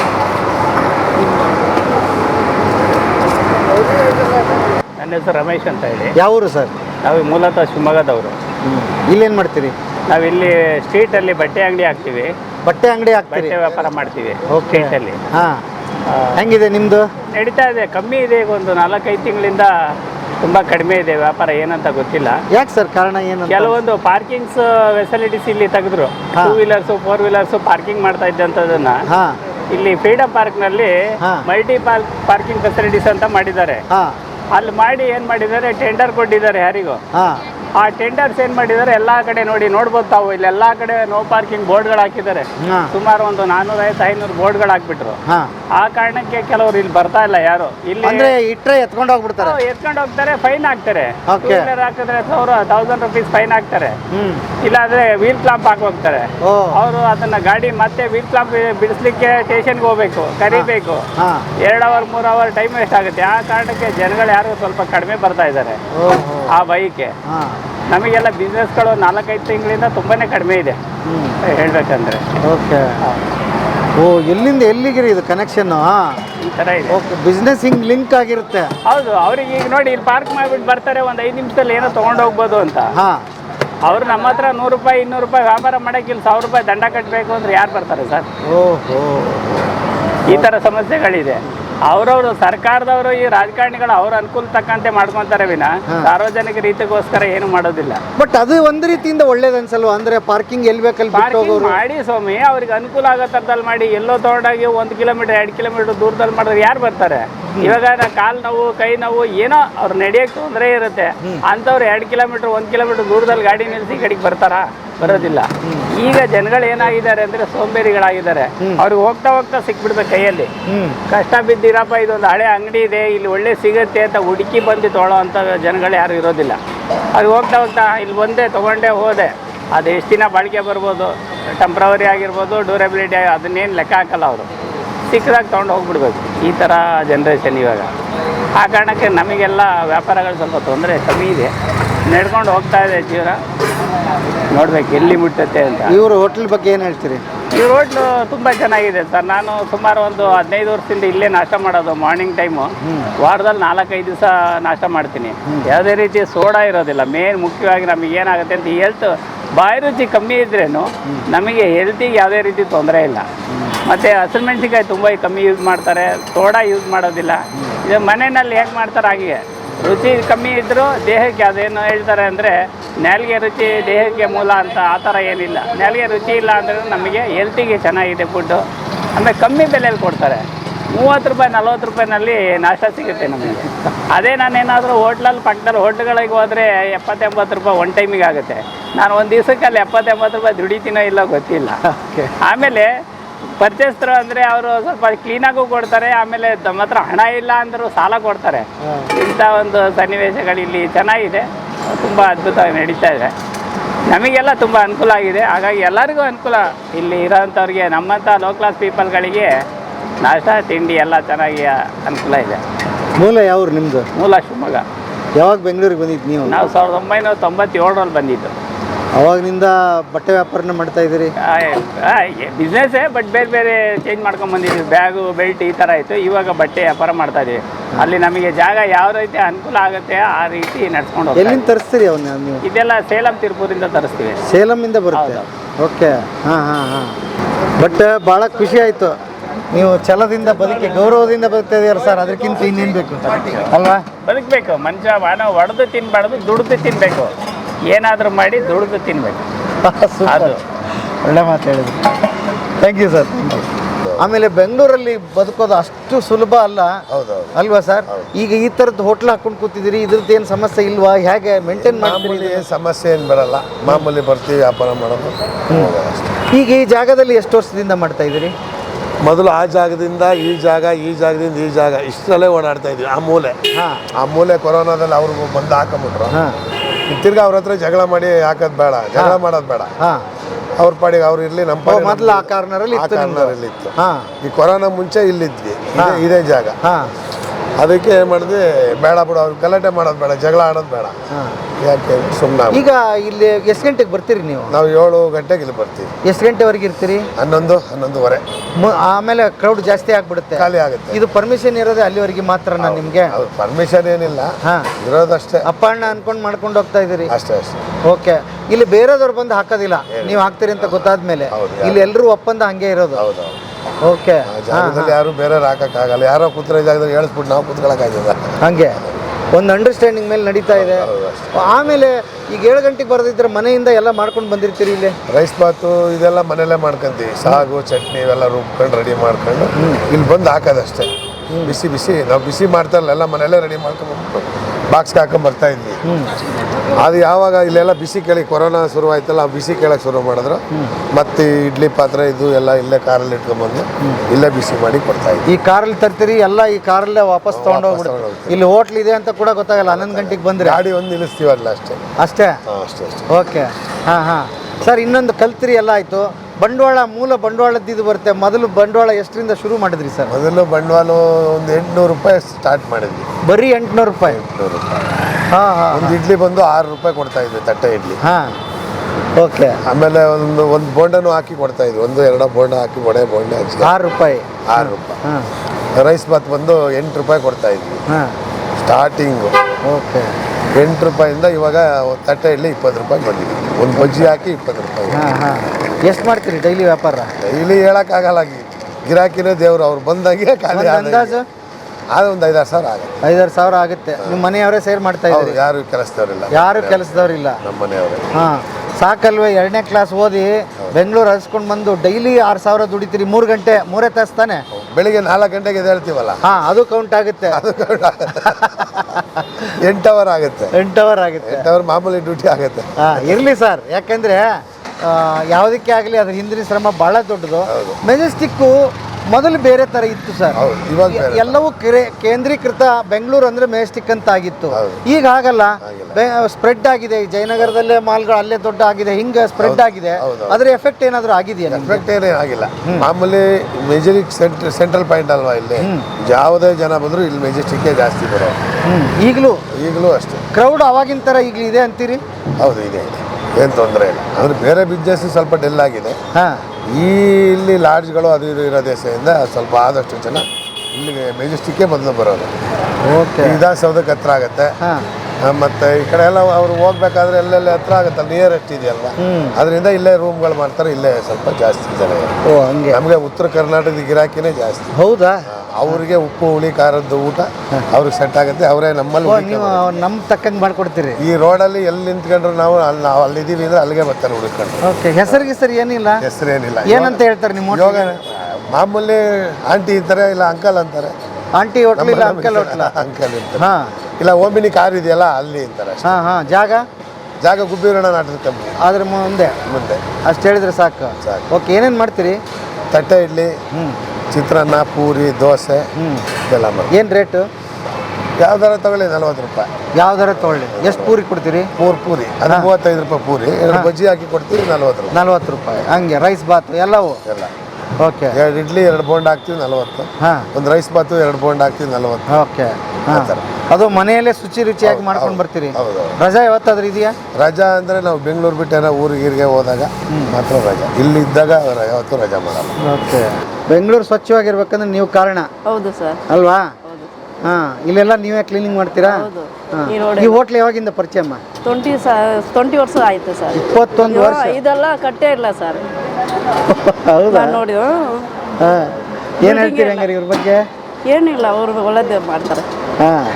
Speaker 9: ನನ್ನ ಹೆಸರು ರಮೇಶ್ ಅಂತ ಹೇಳಿ.
Speaker 3: ಯಾವ ಊರು ಸರ್?
Speaker 9: ನಾವು ಮೂಲತಃ ಶಿವಮೊಗ್ಗದವರು.
Speaker 3: ಇಲ್ಲೇನು ಮಾಡ್ತೀರಿ?
Speaker 9: ನಾವಿಲ್ಲಿ ಸ್ಟ್ರೀಟಲ್ಲಿ ಬಟ್ಟೆ ಅಂಗಡಿ ಹಾಕ್ತೀವಿ.
Speaker 3: ಬಟ್ಟೆ ಅಂಗಡಿ ಹಾಕ್ತೀರಿ?
Speaker 9: ಬಟ್ಟೆ ವ್ಯಾಪಾರ ಮಾಡ್ತೀವಿ
Speaker 3: ಓಕೆ.
Speaker 9: ಸ್ಟ್ರೀಟಲ್ಲಿ.
Speaker 3: ಹಾಂ, ಹೆಂಗಿದೆ ನಿಮ್ಮದು?
Speaker 9: ನಡೀತಾ ಇದೆ. ಕಮ್ಮಿ ಇದೆ. ಈಗ ಒಂದು 4-5 ತಿಂಗಳಿಂದ ತುಂಬ ಕಡಿಮೆ ಇದೆ ವ್ಯಾಪಾರ. ಏನಂತ ಗೊತ್ತಿಲ್ಲ.
Speaker 3: ಯಾಕೆ ಸರ್? ಕಾರಣ ಏನು?
Speaker 9: ಕೆಲವೊಂದು ಪಾರ್ಕಿಂಗ್ಸ್ ಫೆಸಿಲಿಟೀಸ್ ಇಲ್ಲಿ ತೆಗೆದ್ರು. 2 ವೀಲರ್ಸು 4 ವೀಲರ್ಸು ಪಾರ್ಕಿಂಗ್ ಮಾಡ್ತಾ ಇದ್ದಂಥದ್ದನ್ನ ಇಲ್ಲಿ ಫ್ರೀಡಮ್ ಪಾರ್ಕ್ನಲ್ಲಿ ಮಲ್ಟಿ ಪಾರ್ಕಿಂಗ್ ಫೆಸಿಲಿಟೀಸ್ ಅಂತ ಮಾಡಿದ್ದಾರೆ. ಅಲ್ಲಿ ಮಾಡಿ ಏನು ಮಾಡಿದ್ದಾರೆ, ಟೆಂಡರ್ ಕೊಟ್ಟಿದ್ದಾರೆ ಯಾರಿಗೂ. ಆ ಟೆಂಡರ್ಸ್ ಏನು ಮಾಡಿದ್ದಾರೆ, ಎಲ್ಲ ಕಡೆ ನೋಡ್ಬೋದು ತಾವು. ಇಲ್ಲಿ ಎಲ್ಲ ಕಡೆ ನೋ ಪಾರ್ಕಿಂಗ್ ಬೋರ್ಡ್ಗಳು ಹಾಕಿದ್ದಾರೆ. ಸುಮಾರು ಒಂದು 450-500 ಬೋರ್ಡ್ಗಳು ಹಾಕ್ಬಿಟ್ರು. ಆ ಕಾರಣಕ್ಕೆ ಕೆಲವರು ಇಲ್ಲಿ ಬರ್ತಾ ಇಲ್ಲ ಯಾರು. ಇಲ್ಲಿ
Speaker 3: ಇಟ್ಟರೆ ಎತ್ಕೊಂಡು ಹೋಗ್ಬಿಡ್ತಾರೆ.
Speaker 9: ಎತ್ಕೊಂಡು ಹೋಗ್ತಾರೆ, ಫೈನ್ ಹಾಕ್ತಾರೆ. ವೀಲರ್ ಹಾಕಿದ್ರೆ 1000 ರೂಪೀಸ್ ಫೈನ್ ಹಾಕ್ತಾರೆ. ಇಲ್ಲಾಂದ್ರೆ ವೀಲ್ ಕ್ಲಾಂಪ್ ಹಾಕಿ ಹೋಗ್ತಾರೆ. ಅವರು ಅದನ್ನ ಗಾಡಿ ಮತ್ತೆ ವೀಲ್ ಕ್ಲಾಂಪ್ ಬಿಡಿಸ್ಲಿಕ್ಕೆ ಸ್ಟೇಷನ್ಗೆ ಹೋಗ್ಬೇಕು, ಕರಿಬೇಕು. 2 ಅವರ್ 3 ಅವರ್ ಟೈಮ್ ವೇಸ್ಟ್ ಆಗುತ್ತೆ. ಆ ಕಾರಣಕ್ಕೆ ಜನಗಳು ಯಾರು ಸ್ವಲ್ಪ ಕಡಿಮೆ ಬರ್ತಾ ಇದ್ದಾರೆ ಆ ಬೈಕ್ಗೆ. ನಮಗೆಲ್ಲ ಬಿಸ್ನೆಸ್ಗಳು 4-5 ತಿಂಗಳಿಂದ ತುಂಬಾನೇ ಕಡಿಮೆ ಇದೆ ಹೇಳ್ಬೇಕಂದ್ರೆ.
Speaker 3: ಓಕೆ. ಓ, ಎಲ್ಲಿಂದ ಎಲ್ಲಿಗಿರಿ ಇದು ಕನೆಕ್ಷನ್?
Speaker 9: ಈ ಥರ ಇದೆ.
Speaker 3: ಓಕೆ, ಬಿಸ್ನೆಸ್ ಹಿಂಗೆ ಲಿಂಕ್ ಆಗಿರುತ್ತೆ.
Speaker 9: ಹೌದು. ಅವ್ರಿಗೆ ಈಗ ನೋಡಿ, ಇಲ್ಲಿ ಪಾರ್ಕ್ ಮಾಡಿಬಿಟ್ಟು ಬರ್ತಾರೆ, ಒಂದು 5 ನಿಮಿಷದಲ್ಲಿ ಏನೋ ತೊಗೊಂಡು ಹೋಗ್ಬೋದು ಅಂತ. ಅವರು ನಮ್ಮ ಹತ್ರ 100 ರೂಪಾಯಿ 200 ರೂಪಾಯಿ ವ್ಯಾಪಾರ ಮಾಡೋಕ್ಕೆ ಇಲ್ಲಿ 1000 ರೂಪಾಯಿ ದಂಡ ಕಟ್ಟಬೇಕು ಅಂದ್ರೆ ಯಾರು ಬರ್ತಾರೆ ಸರ್?
Speaker 3: ಓಹೋ,
Speaker 9: ಈ ಥರ ಸಮಸ್ಯೆಗಳಿದೆ. ಅವರವರು ಸರ್ಕಾರದವರು, ಈ ರಾಜಕಾರಣಿಗಳು ಅವ್ರ ಅನುಕೂಲ ತಕ್ಕಂತೆ ಮಾಡ್ಕೊಂತಾರೆ ವಿನ ಸಾರ್ವಜನಿಕ ರೀತಿಗೋಸ್ಕರ ಏನು ಮಾಡೋದಿಲ್ಲ.
Speaker 3: ಬಟ್ ಅದು ಒಂದು ರೀತಿಯಿಂದ ಒಳ್ಳೇದು ಅನ್ಸಲ್ವಾ? ಅಂದ್ರೆ ಪಾರ್ಕಿಂಗ್ ಎಲ್ಲಿ ಬೇಕಲ್ಲಿ
Speaker 9: ಪಾರ್ಕಿಂಗ್ ಮಾಡಿ ಸ್ವಾಮಿ, ಅವ್ರಿಗೆ ಅನುಕೂಲ ಆಗೋ ಥರದಲ್ಲಿ ಮಾಡಿ. ಎಲ್ಲೋ ತಗೊಂಡಾಗಿ 1 ಕಿಲೋಮೀಟರ್ 2 ಕಿಲೋಮೀಟರ್ ದೂರದಲ್ಲಿ ಮಾಡಿದ್ರೆ ಯಾರು ಬರ್ತಾರೆ? ಇವಾಗ ಕಾಲು ನೋವು, ಕೈ ನೋವು, ಏನೋ ಅವ್ರು ನಡೆಯೋಕ್ಕೆ ತೊಂದರೆ ಇರುತ್ತೆ ಅಂಥವ್ರು 2 ಕಿಲೋಮೀಟರ್ 1 ಕಿಲೋಮೀಟರ್ ದೂರದಲ್ಲಿ ಗಾಡಿ ನಿಲ್ಲಿಸಿ ಕಡೆಗೆ ಬರ್ತಾರಾ? ಬರೋದಿಲ್ಲ. ಈಗ ಜನಗಳು ಏನಾಗಿದ್ದಾರೆ ಅಂದ್ರೆ ಸೋಂಬೇರಿಗಳಾಗಿದ್ದಾರೆ. ಅವ್ರಿಗೆ ಹೋಗ್ತಾ ಹೋಗ್ತಾ ಸಿಕ್ಬಿಡ್ಬೇಕು ಕೈಯಲ್ಲಿ. ಕಷ್ಟ ಬಿದ್ದಿರಪ್ಪ, ಇದೊಂದು ಹಳೆ ಅಂಗಡಿ ಇದೆ, ಇಲ್ಲಿ ಒಳ್ಳೆ ಸಿಗುತ್ತೆ ಅಂತ ಹುಡುಕಿ ಬಂದು ತೊಗೊಳ್ಳೋ ಅಂಥ ಜನಗಳು ಯಾರು ಇರೋದಿಲ್ಲ. ಅವ್ರಿಗೆ ಹೋಗ್ತಾ ಹೋಗ್ತಾ ಇಲ್ಲಿ ಬಂದೆ ತೊಗೊಂಡೆ ಹೋದೆ, ಅದು ಎಷ್ಟು ದಿನ ಬಾಳಿಕೆ ಬರ್ಬೋದು, ಟೆಂಪ್ರವರಿ ಆಗಿರ್ಬೋದು, ಡ್ಯೂರಬಿಲಿಟಿ ಅದನ್ನೇನು ಲೆಕ್ಕ ಹಾಕಲ್ಲ ಅವರು. ಸಿಕ್ಕದಾಗ ತೊಗೊಂಡು ಹೋಗ್ಬಿಡ್ಬೇಕು. ಈ ಥರ ಜನ್ರೇಷನ್ ಇವಾಗ. ಆ ಕಾರಣಕ್ಕೆ ನಮಗೆಲ್ಲ ವ್ಯಾಪಾರಗಳು ಸ್ವಲ್ಪ ತೊಂದರೆ ಕಮ್ಮಿ ಇದೆ. ನಡ್ಕೊಂಡು ಹೋಗ್ತಾ ಇದೆ ಜೀವನ. ನೋಡ್ಬೇಕು ಎಲ್ಲಿ ಮುಟ್ಟತ್ತೆ ಅಂತ.
Speaker 3: ಇವ್ರ ಹೋಟ್ಲ್ ಬಗ್ಗೆ ಏನು ಹೇಳ್ತೀರಿ?
Speaker 9: ಇವ್ರ ಹೋಟ್ಲು ತುಂಬ ಚೆನ್ನಾಗಿದೆ ಸರ್. ನಾನು ಸುಮಾರು ಒಂದು 15 ವರ್ಷದಿಂದ ಇಲ್ಲೇ ನಾಷ್ಟ ಮಾಡೋದು. ಮಾರ್ನಿಂಗ್ ಟೈಮು ವಾರದಲ್ಲಿ 4-5 ದಿವಸ ನಾಷ್ಟ ಮಾಡ್ತೀನಿ. ಯಾವುದೇ ರೀತಿ ಸೋಡಾ ಇರೋದಿಲ್ಲ. ಮೇನ್ ಮುಖ್ಯವಾಗಿ ನಮಗೆ ಏನಾಗುತ್ತೆ ಅಂತ, ಹೆಲ್ತ್ ಬಾಯಿ ರುಚಿ ಕಮ್ಮಿ ಇದ್ರೇನು ನಮಗೆ ಹೆಲ್ತಿಗೆ ಯಾವುದೇ ರೀತಿ ತೊಂದರೆ ಇಲ್ಲ. ಮತ್ತು ಹಸಿರುಮೆಣ್ಸಿನ್ಕಾಯಿ ತುಂಬ ಕಮ್ಮಿ ಯೂಸ್ ಮಾಡ್ತಾರೆ, ಸೋಡಾ ಯೂಸ್ ಮಾಡೋದಿಲ್ಲ. ಇದು ಮನೆಯಲ್ಲಿ ಹೇಗೆ ಮಾಡ್ತಾರೆ ಹಾಗೆ ರುಚಿ ಕಮ್ಮಿ ಇದ್ದರೂ ದೇಹಕ್ಕೆ ಅದೇನು ಹೇಳ್ತಾರೆ ಅಂದರೆ ನಾಲಿಗೆ ರುಚಿ ದೇಹಕ್ಕೆ ಮೂಲ ಅಂತ ಆ ಥರ ಏನಿಲ್ಲ. ನಾಲಿಗೆ ರುಚಿ ಇಲ್ಲ ಅಂದರೆ ನಮಗೆ ಹೆಲ್ತಿಗೆ ಚೆನ್ನಾಗಿದೆ ಫುಡ್ಡು. ಆಮೇಲೆ ಕಮ್ಮಿ ಬೆಲೆಯಲ್ಲಿ ಕೊಡ್ತಾರೆ. 30 ರೂಪಾಯಿ 40 ರೂಪಾಯಿನಲ್ಲಿ ನಾಷ್ಟ ಸಿಗುತ್ತೆ ನಮಗೆ. ಅದೇ ನಾನೇನಾದರೂ ಹೋಟ್ಲಲ್ಲಿ ಪಕ್ಕದಲ್ಲಿ ಹೋಟ್ಲ್ಗಳಿಗೆ ಹೋದರೆ 70-80 ರೂಪಾಯಿ ಒನ್ ಟೈಮಿಗೆ ಆಗುತ್ತೆ. ನಾನು ಒಂದು ದಿವಸಕ್ಕಲ್ಲಿ 70-80 ರೂಪಾಯಿ ದುಡಿತೀನೋ ಇಲ್ಲ ಗೊತ್ತಿಲ್ಲ. ಆಮೇಲೆ ಪರ್ಚೇಸ್ರು ಅಂದರೆ ಅವರು ಸ್ವಲ್ಪ ಕ್ಲೀನಾಗೂ ಕೊಡ್ತಾರೆ. ಆಮೇಲೆ ತಮ್ಮ ಹತ್ರ ಹಣ ಇಲ್ಲ ಅಂದರೂ ಸಾಲ ಕೊಡ್ತಾರೆ. ಇಂಥ ಒಂದು ಸನ್ನಿವೇಶಗಳು ಇಲ್ಲಿ ಚೆನ್ನಾಗಿದೆ, ತುಂಬ ಅದ್ಭುತವಾಗಿ ನಡೀತಾ ಇದೆ. ನಮಗೆಲ್ಲ ತುಂಬ ಅನುಕೂಲ ಆಗಿದೆ. ಹಾಗಾಗಿ ಎಲ್ಲರಿಗೂ ಅನುಕೂಲ, ಇಲ್ಲಿ ಇರೋಂಥವ್ರಿಗೆ, ನಮ್ಮಂಥ ಲೋ ಕ್ಲಾಸ್ ಪೀಪಲ್ಗಳಿಗೆ ನಾಷ್ಟ ತಿಂಡಿ ಎಲ್ಲ ಚೆನ್ನಾಗಿ ಅನುಕೂಲ ಇದೆ.
Speaker 3: ಮೂಲ ಯಾವ್ರು ನಿಮ್ಮದು?
Speaker 9: ಮೂಲ ಶಿವಮೊಗ್ಗ.
Speaker 3: ಯಾವಾಗ ಬೆಂಗಳೂರಿಗೆ ಬಂದಿದ್ದು ನೀವು?
Speaker 9: ನಾವು 1997ರಲ್ಲಿ ಬಂದಿದ್ದು.
Speaker 3: ಅವಾಗಿನಿಂದ ಬಟ್ಟೆ ವ್ಯಾಪಾರನ ಮಾಡ್ತಾ ಇದ್ದೀರಿ?
Speaker 9: ಬಿಸ್ನೆಸ್ಸೇ, ಬಟ್ ಬೇರೆ ಬೇರೆ ಚೇಂಜ್ ಮಾಡ್ಕೊಂಡು ಬಂದಿದ್ವಿ. ಬ್ಯಾಗು, ಬೆಲ್ಟ್ ಈ ಥರ ಇತ್ತು. ಇವಾಗ ಬಟ್ಟೆ ವ್ಯಾಪಾರ ಮಾಡ್ತಾ ಇದ್ದೀವಿ. ಅಲ್ಲಿ ನಮಗೆ ಜಾಗ ಯಾವ ರೀತಿ ಅನುಕೂಲ ಆಗುತ್ತೆ ಆ ರೀತಿ ನಡ್ಸ್ಕೊಂಡು ಹೋಗ್ತೀವಿ.
Speaker 3: ಎಲ್ಲಿಂದ ತರಿಸ್ತೀರಿ ಅವನ್ನ ನೀವು?
Speaker 9: ಇದೆಲ್ಲ ಸೇಲಂ ತಿರುಪೂರಿಂದ ತರಿಸ್ತೀವಿ.
Speaker 3: ಸೇಲಂನಿಂದ ಬರುತ್ತೆ? ಓಕೆ. ಹಾಂ. ಬಟ್ ಭಾಳ ಖುಷಿ ಆಯಿತು, ನೀವು ಛಲದಿಂದ ಬದುಕಿ ಗೌರವದಿಂದ ಬದುಕ್ತಾ ಇದ್ದೀರ ಸರ್. ಅದಕ್ಕಿಂತ ಇನ್ನೇನು ಬೇಕು ಅಲ್ವಾ?
Speaker 9: ಬದುಕಬೇಕು. ಮನುಷ್ಯ ಹೊಡೆದು ತಿನ್ಬಾರ್ದು, ದುಡ್ದು ತಿನ್ನಬೇಕು. ಏನಾದರೂ ಮಾಡಿ ದುಡ್ದು ತಿನ್ನಬೇಕು. ಅದು
Speaker 3: ಒಳ್ಳೆ ಮಾತು ಹೇಳಿದ್ರಿ. Thank you sir. ಆಮೇಲೆ ಬೆಂಗಳೂರಲ್ಲಿ ಬದುಕೋದು ಅಷ್ಟು ಸುಲಭ ಅಲ್ಲ ಅಲ್ವಾ ಸರ್? ಈಗ ಈ ಥರದ್ದು ಹೋಟ್ಲ್ ಹಾಕೊಂಡು ಕೂತಿದ್ದೀರಿ, ಇದ್ರದ್ದು ಏನು ಸಮಸ್ಯೆ ಇಲ್ವಾ? ಹೇಗೆ ಮೇಂಟೈನ್
Speaker 4: ಮಾಮೂಲಿ ಸಮಸ್ಯೆ ಏನು ಬರಲ್ಲ. ಮಾಮೂಲಿ ಬರ್ತೀವಿ, ವ್ಯಾಪಾರ ಮಾಡೋದು.
Speaker 3: ಈಗ ಈ ಜಾಗದಲ್ಲಿ ಎಷ್ಟು ವರ್ಷದಿಂದ ಮಾಡ್ತಾ ಇದ್ದೀರಿ?
Speaker 4: ಮೊದಲು ಆ ಜಾಗದಿಂದ ಈ ಜಾಗದಿಂದ ಈ ಜಾಗ ಇಷ್ಟರಲ್ಲೇ ಓಡಾಡ್ತಾ ಇದ್ವಿ. ಆ ಮೂಲೆ ಕೊರೋನಾದಲ್ಲಿ ಅವ್ರಿಗೂ ಬಂದು ಹಾಕೊಂಬಿಟ್ರು. ತಿರ್ಗಿ ಅವ್ರ ಹತ್ರ ಜಗಳ ಮಾಡಿ ಹಾಕೋದು ಬೇಡ, ಜಗಳ ಮಾಡೋದು ಬೇಡ. ಅವ್ರ ಪಾಡಿಗೆ ಅವ್ರು ಇರ್ಲಿ, ನಮ್ಮ ಪಾಡಿಗೆ
Speaker 3: ಮೊದಲು ಆ ಕಾರ್ನರಲ್ಲಿ
Speaker 4: ಇತ್ತು. ಈ ಕೊರೋನಾ ಮುಂಚೆ ಇಲ್ಲಿದ್ವಿ, ಇದೇ ಜಾಗ. ಅದಕ್ಕೆ ಏನು ಮಾಡಿದ್ವಿ, ಬೇಡ ಬಿಡು, ಅವ್ರು ಗಲಾಟೆ ಮಾಡೋದು ಬೇಡ, ಜಗಳ ಆಡೋದು ಬೇಡ, ಯಾಕೆ ಸುಮ್ಮನೆ.
Speaker 3: ಈಗ ಇಲ್ಲಿ ಎಷ್ಟು ಗಂಟೆಗೆ ಬರ್ತೀರಿ ನೀವು?
Speaker 4: ನಾವು 7 ಗಂಟೆಗೆ ಇಲ್ಲಿ ಬರ್ತೀವಿ.
Speaker 3: ಎಷ್ಟು ಗಂಟೆವರೆಗೆ ಇರ್ತೀರಿ?
Speaker 4: 11-11:30.
Speaker 3: ಆಮೇಲೆ ಕ್ರೌಡ್ ಜಾಸ್ತಿ ಆಗ್ಬಿಡುತ್ತೆ,
Speaker 4: ಖಾಲಿ ಆಗುತ್ತೆ.
Speaker 3: ಇದು ಪರ್ಮಿಷನ್ ಇರೋದೇ ಅಲ್ಲಿವರೆಗೆ ಮಾತ್ರ ನಿಮಗೆ?
Speaker 4: ಪರ್ಮಿಷನ್ ಏನಿಲ್ಲ, ಇರೋದಷ್ಟೇ.
Speaker 3: ಅಪ್ಪ ಅಣ್ಣ ಅನ್ಕೊಂಡು ಮಾಡ್ಕೊಂಡು ಹೋಗ್ತಾ ಇದ್ದೀರಿ?
Speaker 4: ಅಷ್ಟೇ.
Speaker 3: ಓಕೆ. ಇಲ್ಲಿ ಬೇರೆದವ್ರು ಬಂದು ಹಾಕೋದಿಲ್ಲ, ನೀವು ಹಾಕ್ತೀರಿ ಅಂತ ಗೊತ್ತಾದ್ಮೇಲೆ? ಇಲ್ಲಿ ಎಲ್ಲರೂ ಒಪ್ಪಂದ ಹಂಗೆ ಇರೋದು? ಓಕೆ.
Speaker 4: ಜಾಗದಲ್ಲಿ ಯಾರು ಬೇರೆ ಹಾಕಕ್ಕಾಗಲ್ಲ. ಯಾರೋ ಕೂತ್ರೆ ಜಾಗದಲ್ಲಿ ಹೇಳಿಸ್ಬಿಟ್ಟು ನಾವು ಕೂತ್ಕೊಳ್ಳೋಕ್ಕಾಗಲ್ಲ.
Speaker 3: ಹಂಗೆ ಒಂದು ಅಂಡರ್ಸ್ಟ್ಯಾಂಡಿಂಗ್ ಮೇಲೆ ನಡೀತಾ ಇದೆ. ಆಮೇಲೆ ಈಗ 7 ಗಂಟೆಗೆ ಬರೋದಿದ್ರೆ ಮನೆಯಿಂದ ಎಲ್ಲ ಮಾಡ್ಕೊಂಡು ಬಂದಿರ್ತೀರಿ? ಇಲ್ಲಿ
Speaker 4: ರೈಸ್ ಬಾತು ಇದೆಲ್ಲ ಮನೆಯಲ್ಲೇ ಮಾಡ್ಕೊಂತೀವಿ. ಸಾಗು, ಚಟ್ನಿ ಇವೆಲ್ಲ ರುಬ್ಕೊಂಡು ರೆಡಿ ಮಾಡ್ಕೊಂಡು ಇಲ್ಲಿ ಬಂದು ಹಾಕೋದಷ್ಟೇ. ಬಿಸಿ ನಾವು ಬಿಸಿ ಮಾಡ್ತಾರಲ್ಲ, ಎಲ್ಲ ಮನೆಯಲ್ಲೇ ರೆಡಿ ಮಾಡ್ಕೊಂಡ್ಬಿಟ್ಟು ಬಾಕ್ಸ್ಗೆ ಹಾಕೊಂಡ್ ಬರ್ತಾ ಇದ್ವಿ. ಅದು ಯಾವಾಗ ಇಲ್ಲೆಲ್ಲ ಬಿಸಿ ಕೇಳಿ ಕೊರೋನಾ ಶುರುವಾಯ್ತಲ್ಲ, ಬಿಸಿ ಕೇಳಕ್ಕೆ ಶುರು ಮಾಡಿದ್ರು. ಮತ್ತೆ ಇಡ್ಲಿ ಪಾತ್ರೆ ಇದು ಎಲ್ಲ ಇಲ್ಲೇ ಕಾರಲ್ಲಿ ಇಟ್ಕೊಂಡ್ಬಂದು ಇಲ್ಲೇ ಬಿಸಿ ಮಾಡಿ ಕೊಡ್ತಾ ಇದ್ವಿ.
Speaker 3: ಈ ಕಾರಲ್ಲಿ ತರ್ತೀರಿ, ಎಲ್ಲ ಈ ಕಾರಲ್ಲೇ ವಾಪಸ್ ತೊಗೊಂಡೋಗ್ಬಿಡ್ತೀವಿ. ಇಲ್ಲಿ ಹೋಟ್ಲ್ ಇದೆ ಅಂತ ಕೂಡ ಗೊತ್ತಾಗಲ್ಲ. 11 ಗಂಟೆಗೆ ಬಂದ್ರೆ
Speaker 4: ಗಾಡಿ ಒಂದು ನಿಲ್ಲಿಸ್ತೀವಲ್ಲ, ಅಷ್ಟೇ.
Speaker 3: ಅಷ್ಟೇ. ಓಕೆ. ಸರ್, ಇನ್ನೊಂದು ಕಲ್ತಿರಿ ಎಲ್ಲ ಆಯಿತು. ಬಂಡವಾಳ, ಮೂಲ ಬಂಡವಾಳದ್ದು ಬರುತ್ತೆ. ಮೊದಲು ಬಂಡವಾಳ ಎಷ್ಟರಿಂದ ಶುರು ಮಾಡಿದ್ರಿ ಸರ್?
Speaker 4: ಮೊದಲು ಬಂಡವಾಳ ಒಂದು 800 ರೂಪಾಯಿ ಸ್ಟಾರ್ಟ್ ಮಾಡಿದ್ವಿ.
Speaker 3: ಬರೀ 800 ರೂಪಾಯಿ?
Speaker 4: 800 ರೂಪಾಯಿ. ಒಂದು ಇಡ್ಲಿ ಬಂದು 6 ರೂಪಾಯಿ ಕೊಡ್ತಾ ಇದ್ವಿ, ತಟ್ಟೆ ಇಡ್ಲಿ.
Speaker 3: ಓಕೆ.
Speaker 4: ಆಮೇಲೆ ಒಂದು ಬೋಂಡನು ಹಾಕಿ ಕೊಡ್ತಾ ಇದ್ವಿ. 1-2 ಬೋಂಡ ಹಾಕಿ, ವಡೆ ಬೋಂಡ ಹಾಕಿ
Speaker 3: 6 ರೂಪಾಯಿ.
Speaker 4: 6 ರೂಪಾಯಿ. ರೈಸ್ ಬಾತ್ ಬಂದು 8 ರೂಪಾಯಿ ಕೊಡ್ತಾ ಇದ್ವಿ ಸ್ಟಾರ್ಟಿಂಗು.
Speaker 3: ಓಕೆ.
Speaker 4: 8 ರೂಪಾಯಿಂದ ಇವಾಗ ತಟ್ಟೆ ಇಡ್ಲಿ 20 ರೂಪಾಯಿ ಬಂದಿದೆ. ಒಂದು ಬಜ್ಜಿ ಹಾಕಿ 20 ರೂಪಾಯಿ.
Speaker 3: ಎಷ್ಟು ಮಾಡ್ತೀರಿ ಡೈಲಿ ವ್ಯಾಪಾರ?
Speaker 4: ಡೈಲಿ ಹೇಳೋಕ್ಕಾಗಲ್ಲ, ಗಿರಾಕಿನೇ ದೇವ್ರು. ಅವ್ರು ಬಂದಾಗೆ ಖಾಲಿ.
Speaker 3: ಅಂದಾಜು
Speaker 4: ಅದು ಒಂದು 5-6 ಸಾವಿರ ಆಗುತ್ತೆ.
Speaker 3: 5-6 ಸಾವಿರ ಆಗುತ್ತೆ. ನಿಮ್ಮ ಮನೆಯವರೇ ಸೇರ್ ಮಾಡ್ತಾ ಇದ್ದಾರೆ?
Speaker 4: ಯಾರು ಕೆಲಸದವ್ರಿಲ್ಲ.
Speaker 3: ಯಾರು ಕೆಲಸದವ್ರಿಲ್ಲ?
Speaker 4: ನಮ್ಮ ಮನೆಯವರೇ.
Speaker 3: ಸಾಕಲ್ವೇ? 2ನೇ ಕ್ಲಾಸ್ ಓದಿ ಬೆಂಗಳೂರು ಹರಿಸ್ಕೊಂಡು ಬಂದು ಡೈಲಿ 6 ಸಾವಿರ ದುಡಿತೀರಿ. 3 ಗಂಟೆ, 3 ತಾಸು ತಾನೆ?
Speaker 4: ಬೆಳಿಗ್ಗೆ 4 ಗಂಟೆಗೆ ಎದ್ದೇಳ್ತೀವಲ್ಲ,
Speaker 3: ಅದು ಕೌಂಟ್ ಆಗುತ್ತೆ.
Speaker 4: 8 ಅವರ್ ಆಗುತ್ತೆ.
Speaker 3: 8 ಅವರ್ ಆಗುತ್ತೆ.
Speaker 4: 8 ಅವರ್ ಮಾಮೂಲಿ ಡ್ಯೂಟಿ ಆಗುತ್ತೆ.
Speaker 3: ಇರಲಿ ಸರ್, ಯಾಕಂದರೆ ಯಾವುದಕ್ಕೆ ಆಗಲಿ ಅದ್ರ ಹಿಂದಿನ ಶ್ರಮ ಭಾಳ ದೊಡ್ಡದು. ಮೆಜೆಸ್ಟಿಕ್ಕು ಮೊದಲು ಬೇರೆ ಥರ ಇತ್ತು ಸರ್. ಎಲ್ಲವೂ ಕೇಂದ್ರೀಕೃತ. ಬೆಂಗಳೂರು ಅಂದರೆ ಮೆಜೆಸ್ಟಿಕ್ ಅಂತ ಆಗಿತ್ತು. ಈಗ ಆಗಲ್ಲ, ಸ್ಪ್ರೆಡ್ ಆಗಿದೆ. ಜಯನಗರದಲ್ಲೇ ಮಾಲ್ಗಳು ಅಲ್ಲೇ ದೊಡ್ಡ ಆಗಿದೆ, ಹಿಂಗೆ ಸ್ಪ್ರೆಡ್ ಆಗಿದೆ. ಅದರ ಎಫೆಕ್ಟ್ ಏನಾದರೂ ಆಗಿದೆಯಾ?
Speaker 4: ಎಫೆಕ್ಟ್ ಏನೇ ಆಗಿಲ್ಲ. ಮಾಮೂಲಿ ಮೆಜೆಸ್ಟಿಕ್ ಸೆಂಟ್ರಲ್ ಪಾಯಿಂಟ್ ಅಲ್ವಾ, ಇಲ್ಲಿ ಯಾವುದೇ ಜನ ಬಂದರೂ ಇಲ್ಲಿ ಮೆಜೆಸ್ಟಿಕ್ಕೇ ಜಾಸ್ತಿ ಬರೋದು. ಈಗಲೂ ಅಷ್ಟೇ
Speaker 3: ಕ್ರೌಡ್ ಅವಾಗಿನ ಥರ ಈಗಲೂ ಇದೆ ಅಂತೀರಿ?
Speaker 4: ಹೌದು, ಇದೆ. ಏನು ತೊಂದರೆ ಇಲ್ಲ. ಅಂದರೆ ಬೇರೆ ಬಿಸ್ನೆಸ್ ಸ್ವಲ್ಪ ಡೆಲ್ ಆಗಿದೆ. ಇಲ್ಲಿ ಲಾಡ್ಜ್ಗಳು ಅದು ಇದು ಇರೋ ದೇಶದಿಂದ ಸ್ವಲ್ಪ ಆದಷ್ಟು ಜನ ಇಲ್ಲಿಗೆ ಮೆಜೆಸ್ಟಿಕ್ಕೇ ಮೊದಲು ಬರೋದು.
Speaker 3: ಓಕೆ.
Speaker 4: ವಿಧಾನಸೌಧಕ್ಕೆ ಹತ್ರ ಆಗುತ್ತೆ. ಮತ್ತೆ ಈ ಕಡೆ ಎಲ್ಲ ಅವ್ರು ಹೋಗ್ಬೇಕಾದ್ರೆ ಎಲ್ಲೆಲ್ಲ ಹತ್ರ ಆಗುತ್ತಲ್ಲ, ನಿಯರೆಸ್ಟ್ ಇದೆಯಲ್ವಾ, ಅದರಿಂದ ಇಲ್ಲೇ ರೂಮ್ಗಳು ಮಾಡ್ತಾರೆ. ಇಲ್ಲೇ ಸ್ವಲ್ಪ ಜಾಸ್ತಿ ಜನ ಇದ್ದಾರೆ.
Speaker 3: ಓ ಹಂಗೆ.
Speaker 4: ನಮಗೆ ಉತ್ತರ ಕರ್ನಾಟಕದ ಗಿರಾಕಿನೇ ಜಾಸ್ತಿ.
Speaker 3: ಹೌದಾ?
Speaker 4: ಅವ್ರಿಗೆ ಉಪ್ಪು ಹುಳಿ ಖಾರದ್ದು ಊಟ ಅವ್ರಿಗೆ ಸೆಟ್ ಆಗುತ್ತೆ. ಅವರೇ ನಮ್ಮಲ್ಲಿ
Speaker 3: ನೀವು ನಮ್ಮ ತಕ್ಕಂಗೆ ಮಾಡ್ಕೊಡ್ತೀರಿ?
Speaker 4: ಈ ರೋಡಲ್ಲಿ ಎಲ್ಲಿ ನಿಂತ್ಕೊಂಡ್ರು ನಾವು ಅಲ್ಲಿದ್ದೀವಿ ಅಂದ್ರೆ ಅಲ್ಲಿಗೆ ಬರ್ತಾರೆ ಹುಡುಕೊಂಡು.
Speaker 3: ಓಕೆ. ಹೆಸರು ಏನಿಲ್ಲ?
Speaker 4: ಹೆಸರೇನಿಲ್ಲ.
Speaker 3: ಏನಂತ ಹೇಳ್ತಾರೆ ನಿಮ್ಮ
Speaker 4: ಯೋಗ ಮಾಮೂಲಿ ಆಂಟಿ ಅಂತಾರೆ, ಇಲ್ಲ ಅಂಕಲ್ ಅಂತಾರೆ.
Speaker 3: ಆಂಟಿ ಹೋಟ್ಲ್ ಇಲ್ಲ ಅಂಕಲ್ ಹೋಟ್ಲ?
Speaker 4: ಅಂಕಲ್ ಅಂತಾರೆ.
Speaker 3: ಹಾಂ.
Speaker 4: ಇಲ್ಲ ಓಮಿನಿ ಕಾರ್ ಇದೆಯಲ್ಲ ಅಲ್ಲಿ ಅಂತಾರೆ.
Speaker 3: ಹಾಂ. ಜಾಗ
Speaker 4: ಗುಬ್ಬಿರೋಣ ನಾಟಕ ಕಂಪ್ನಿ
Speaker 3: ಅದ್ರ ಮುಂದೆ ಅಷ್ಟು ಹೇಳಿದ್ರೆ ಸಾಕು. ಓಕೆ. ಏನೇನು ಮಾಡ್ತೀರಿ?
Speaker 4: ತಟ್ಟೆ ಇಡ್ಲಿ, ಚಿತ್ರಾನ್ನ, ಪೂರಿ, ದೋಸೆ ಇದೆಲ್ಲ ಮಾಡಿ.
Speaker 3: ಏನು ರೇಟು?
Speaker 4: ಯಾವ್ದಾರ ತಗೊಳ್ಳಿ 40 ರೂಪಾಯಿ.
Speaker 3: ಯಾವ್ದಾರ ತೊಗೊಳ್ಳಿ. ಎಷ್ಟು ಪೂರಿ ಕೊಡ್ತೀರಿ?
Speaker 4: 3 ಪೂರಿ, ಅದು 35 ರೂಪಾಯಿ ಪೂರಿ. 2 ಬಜ್ಜಿ ಹಾಕಿ ಕೊಡ್ತೀವಿ 40 ರೂಪಾಯಿ.
Speaker 3: ಹಂಗೆ ರೈಸ್ ಬಾತ್ ಎಲ್ಲವೂ?
Speaker 4: ಎಲ್ಲ.
Speaker 3: ಓಕೆ.
Speaker 4: 2 ಇಡ್ಲಿ 2 ಬೋಂಡ್ ಹಾಕ್ತೀವಿ 40.
Speaker 3: ಹಾಂ.
Speaker 4: ಒಂದು ರೈಸ್ ಬಾತು 2 ಬೋಂಡ್ ಹಾಕ್ತೀವಿ 40.
Speaker 3: ಓಕೆ. ಅದು ಮನೆಯಲ್ಲೇ ರುಚಿಯಾಗಿ ಮಾಡ್ಕೊಂಡು ಬರ್ತೀರಿ?
Speaker 4: ಹೌದು.
Speaker 3: ರಜಾ ಯಾವತ್ತಾದ್ರೂ ಇದೆಯಾ?
Speaker 4: ರಜಾ ಅಂದರೆ ನಾವು ಬೆಂಗಳೂರು ಬಿಟ್ಟು ಏನೋ ಊರಿಗೆ ಹೋದಾಗ ಮಾತ್ರ ರಜಾ. ಇಲ್ಲಿ ಇದ್ದಾಗ ಯಾವತ್ತೂ ರಜಾ ಮಾಡಲ್ಲ.
Speaker 3: ಓಕೆ. ಬೆಂಗಳೂರು ಸ್ವಚ್ಛವಾಗಿರ್ಬೇಕಂದ್ರೆ ನೀವು ಕಾರಣ.
Speaker 5: ಹೌದು ಸರ್.
Speaker 3: ಅಲ್ವಾ? ಹಾಂ. ಇಲ್ಲೆಲ್ಲ ನೀವೇ ಕ್ಲೀನಿಂಗ್ ಮಾಡ್ತೀರಾ? ಈ ಹೋಟ್ಲ್ ಯಾವಾಗಿಂದ ಪರಿಚಯ ಅಮ್ಮ?
Speaker 5: 20 ವರ್ಷ ಆಯ್ತು ಸರ್.
Speaker 3: 21 ವರ್ಷ?
Speaker 5: ಇದೆಲ್ಲ ಕಟ್ಟೇ ಇಲ್ಲ ಸರ್.
Speaker 3: ಹೌದಾ?
Speaker 5: ನೋಡಿ.
Speaker 3: ಹಾಂ. ಏನು ಹೇಳ್ತೀರಿ ಹಂಗಾರೆ ಇವ್ರ ಬಗ್ಗೆ?
Speaker 5: ಏನಿಲ್ಲ, ಅವರು ಒಳ್ಳೇದೇ ಮಾಡ್ತಾರೆ.
Speaker 3: ಹಾಂ.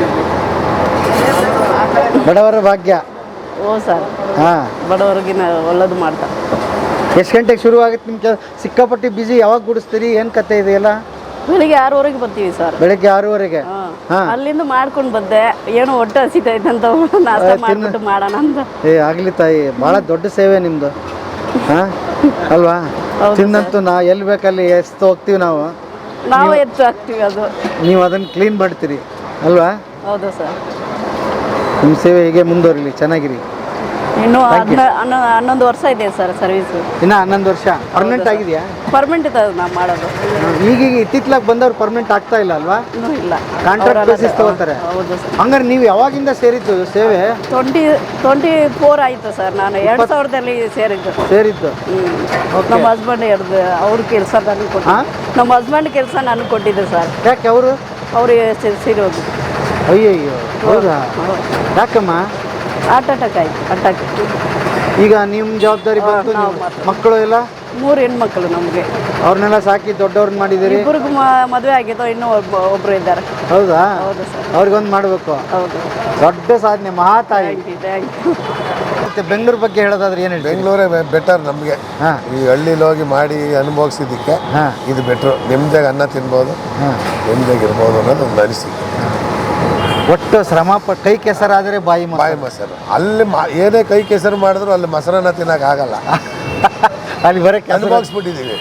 Speaker 3: ಬಡವರ ಭಾಗ್ಯ.
Speaker 5: ಓ ಸರ್.
Speaker 3: ಹಾಂ.
Speaker 5: ಬಡವರಿಗಿನ ಒಳ್ಳೇದು ಮಾಡ್ತಾರೆ.
Speaker 3: ಎಷ್ಟು ಗಂಟೆಗೆ ಶುರು ಆಗುತ್ತೆ ನಿಮ್ಮ ಕೆಲಸ? ಸಿಕ್ಕಾಪಟ್ಟಿ ಬಿಜಿ. ಯಾವಾಗ ಬಿಡಿಸ್ತೀರಿ? ಏನು ಕತೆ ಇದೆಯಲ್ಲ?
Speaker 5: ಬೆಳಿಗ್ಗೆ 6:30 ಬರ್ತೀವಿ ಸರ್.
Speaker 3: ಬೆಳಗ್ಗೆ 6:30ಗೆ? ಹಾಂ.
Speaker 5: ಅಲ್ಲಿಂದ ಮಾಡ್ಕೊಂಡು ಬಂದೆ. ಏನೋ ಹೊಟ್ಟೆ ಹಸಿತೈತೆ ಅಂತ ನಾಷ್ಟ ಮಾಡ್ಬಿಟ್ಟು ಮಾಡೋಣ ಅಂತ.
Speaker 3: ಆಗಲಿ ತಾಯಿ, ಭಾಳ ದೊಡ್ಡ ಸೇವೆ ನಿಮ್ಮದು. ಹಾಂ ಅಲ್ವಾ? ತಿನ್ನಂತೂ ಎಲ್ಲಿ ಬೇಕಲ್ಲಿ ಎಸ್ತು ಹೋಗ್ತೀವಿ ನಾವು
Speaker 5: ಎತ್ತು ಹಾಕ್ತೀವಿ. ಅದು
Speaker 3: ನೀವು ಅದನ್ನು ಕ್ಲೀನ್ ಮಾಡ್ತೀರಿ ಅಲ್ವಾ?
Speaker 5: ಹೌದು ಸರ್.
Speaker 3: ನಿಮ್ಮ ಸೇವೆ ಹೀಗೆ ಮುಂದುವರಿಲಿ, ಚೆನ್ನಾಗಿರಿ.
Speaker 5: ಇನ್ನೂ 11 ವರ್ಷ ಇದೆ ಸರ್ ಸರ್ವಿಸು.
Speaker 3: ಇನ್ನು 11 ವರ್ಷ. ಪರ್ಮನೆಂಟ್ ಆಗಿದೆಯಾ?
Speaker 5: ಪರ್ಮನೆಂಟ್ ಇದೆ ನಾವು ಮಾಡೋದು.
Speaker 3: ಈಗೀಗ ಇತ್ತಿತ್ಲಾಗ ಬಂದವ್ರು ಪರ್ಮನೆಂಟ್ ಆಗ್ತಾ ಇಲ್ಲ ಅಲ್ವಾ?
Speaker 5: ಇನ್ನೂ ಇಲ್ಲ.
Speaker 3: ಕಾಂಟ್ರಾಕ್ಟ್ ಬೇಸಿಸ್ ತಗೋತಾರೆ.
Speaker 5: ಹೌದು ಸರ್.
Speaker 3: ಹಂಗಾರೆ ನೀವು ಯಾವಾಗಿಂದ ಸೇರಿದ್ದು ಸೇವೆ?
Speaker 5: 24 ಆಯಿತು ಸರ್. ನಾನು 2000ದಲ್ಲಿ ಸೇರಿದ್ದು. ನಮ್ಮ ಹಸ್ಬೆಂಡ್ ಅವ್ರ ಕೆಲಸ ನನಗೆ ಕೊಟ್ಟು, ನಮ್ಮ ಹಸ್ಬೆಂಡ್ ಕೆಲಸ ನನಗೆ ಕೊಟ್ಟಿದ್ದೆ ಸರ್.
Speaker 3: ಯಾಕೆ ಅವರು
Speaker 5: ಸೇರೋದು?
Speaker 3: ಅಯ್ಯಯ್ಯೋ. ಹೌದಾ? ಯಾಕಮ್ಮ?
Speaker 5: ಹಾರ್ಟ್ ಅಟ್ಯಾಕ್ ಆಯ್ತು. ಅಟ್ಯಾಕ್.
Speaker 3: ಈಗ ನಿಮ್ಮ ಜವಾಬ್ದಾರಿ ಬಂತು. ಮಕ್ಕಳು ಎಲ್ಲ?
Speaker 5: 3 ಹೆಣ್ಮಕ್ಳು ನಮಗೆ.
Speaker 3: ಅವ್ರನ್ನೆಲ್ಲ ಸಾಕಿ ದೊಡ್ಡವ್ರನ್ನ ಮಾಡಿದ್ದೀರಿ?
Speaker 5: ಇಬ್ಬರಿಗೂ ಮದುವೆ ಆಗಿದ್ದು, ಇನ್ನೂ ಒಬ್ರು ಇದ್ದಾರೆ.
Speaker 3: ಹೌದಾ?
Speaker 5: ಹೌದು ಸರ್.
Speaker 3: ಅವ್ರಿಗೊಂದು ಮಾಡಬೇಕು.
Speaker 5: ಹೌದು.
Speaker 3: ದೊಡ್ಡ ಸಾಧನೆ, ಮಹಾತಾಯಿ. ಮತ್ತೆ ಬೆಂಗಳೂರು ಬಗ್ಗೆ ಹೇಳೋದಾದ್ರೆ ಏನು ಹೇಳಿ?
Speaker 4: ಬೆಂಗಳೂರೇ ಬೆಟರ್ ನಮಗೆ. ಈ ಹಳ್ಳಿಲಿ ಹೋಗಿ ಮಾಡಿ ಅನುಭವಿಸಿದ್ದಕ್ಕೆ ಇದು ಬೆಟ್ರು. ನಿಮ್ದಾಗ ಅನ್ನ ತಿನ್ಬೋದು, ನಿಮ್ದಾಗ ಇರ್ಬೋದು ಅನ್ನೋದು ಒಂದು ಅನಿಸಿಕೆ.
Speaker 3: ಒಟ್ಟು ಶ್ರಮ ಕೈ ಕೆಸರಾದರೆ ಬಾಯಿ
Speaker 4: ಮೊಸರು. ಅಲ್ಲಿ ಏನೇ ಕೈ ಕೆಸರು ಮಾಡಿದ್ರು ಅಲ್ಲಿ ಮೊಸರನ್ನ ತಿನ್ನಕ್ಕೆ ಆಗಲ್ಲ.
Speaker 3: ಅಲ್ಲಿ ಬರೋಕ್ಕೆ
Speaker 4: ಅನುಭವಿಸ್ಬಿಟ್ಟಿದ್ದೀವಿ.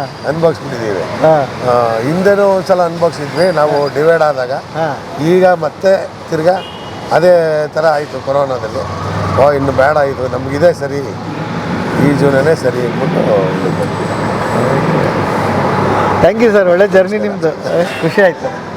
Speaker 4: ಹಿಂದೆನೂ ಒಂದ್ಸಲ ಅನುಭವಿಸಿದ್ವಿ ನಾವು ಡಿವೈಡ್ ಆದಾಗ. ಈಗ ಮತ್ತೆ ತಿರ್ಗಾ ಅದೇ ಥರ ಆಯಿತು ಕೊರೋನಾದಲ್ಲಿ. ಇನ್ನು ಬೇಡ, ಇದು ನಮಗಿದೆ ಸರಿ, ಈ ಜೀವನನೇ ಸರಿ ಅಂದ್ಬಿಟ್ಟು.
Speaker 3: Thank you sir. ಒಳ್ಳೆ ಜರ್ನಿ ನಿಮ್ಮದು. ಖುಷಿ ಆಯಿತು.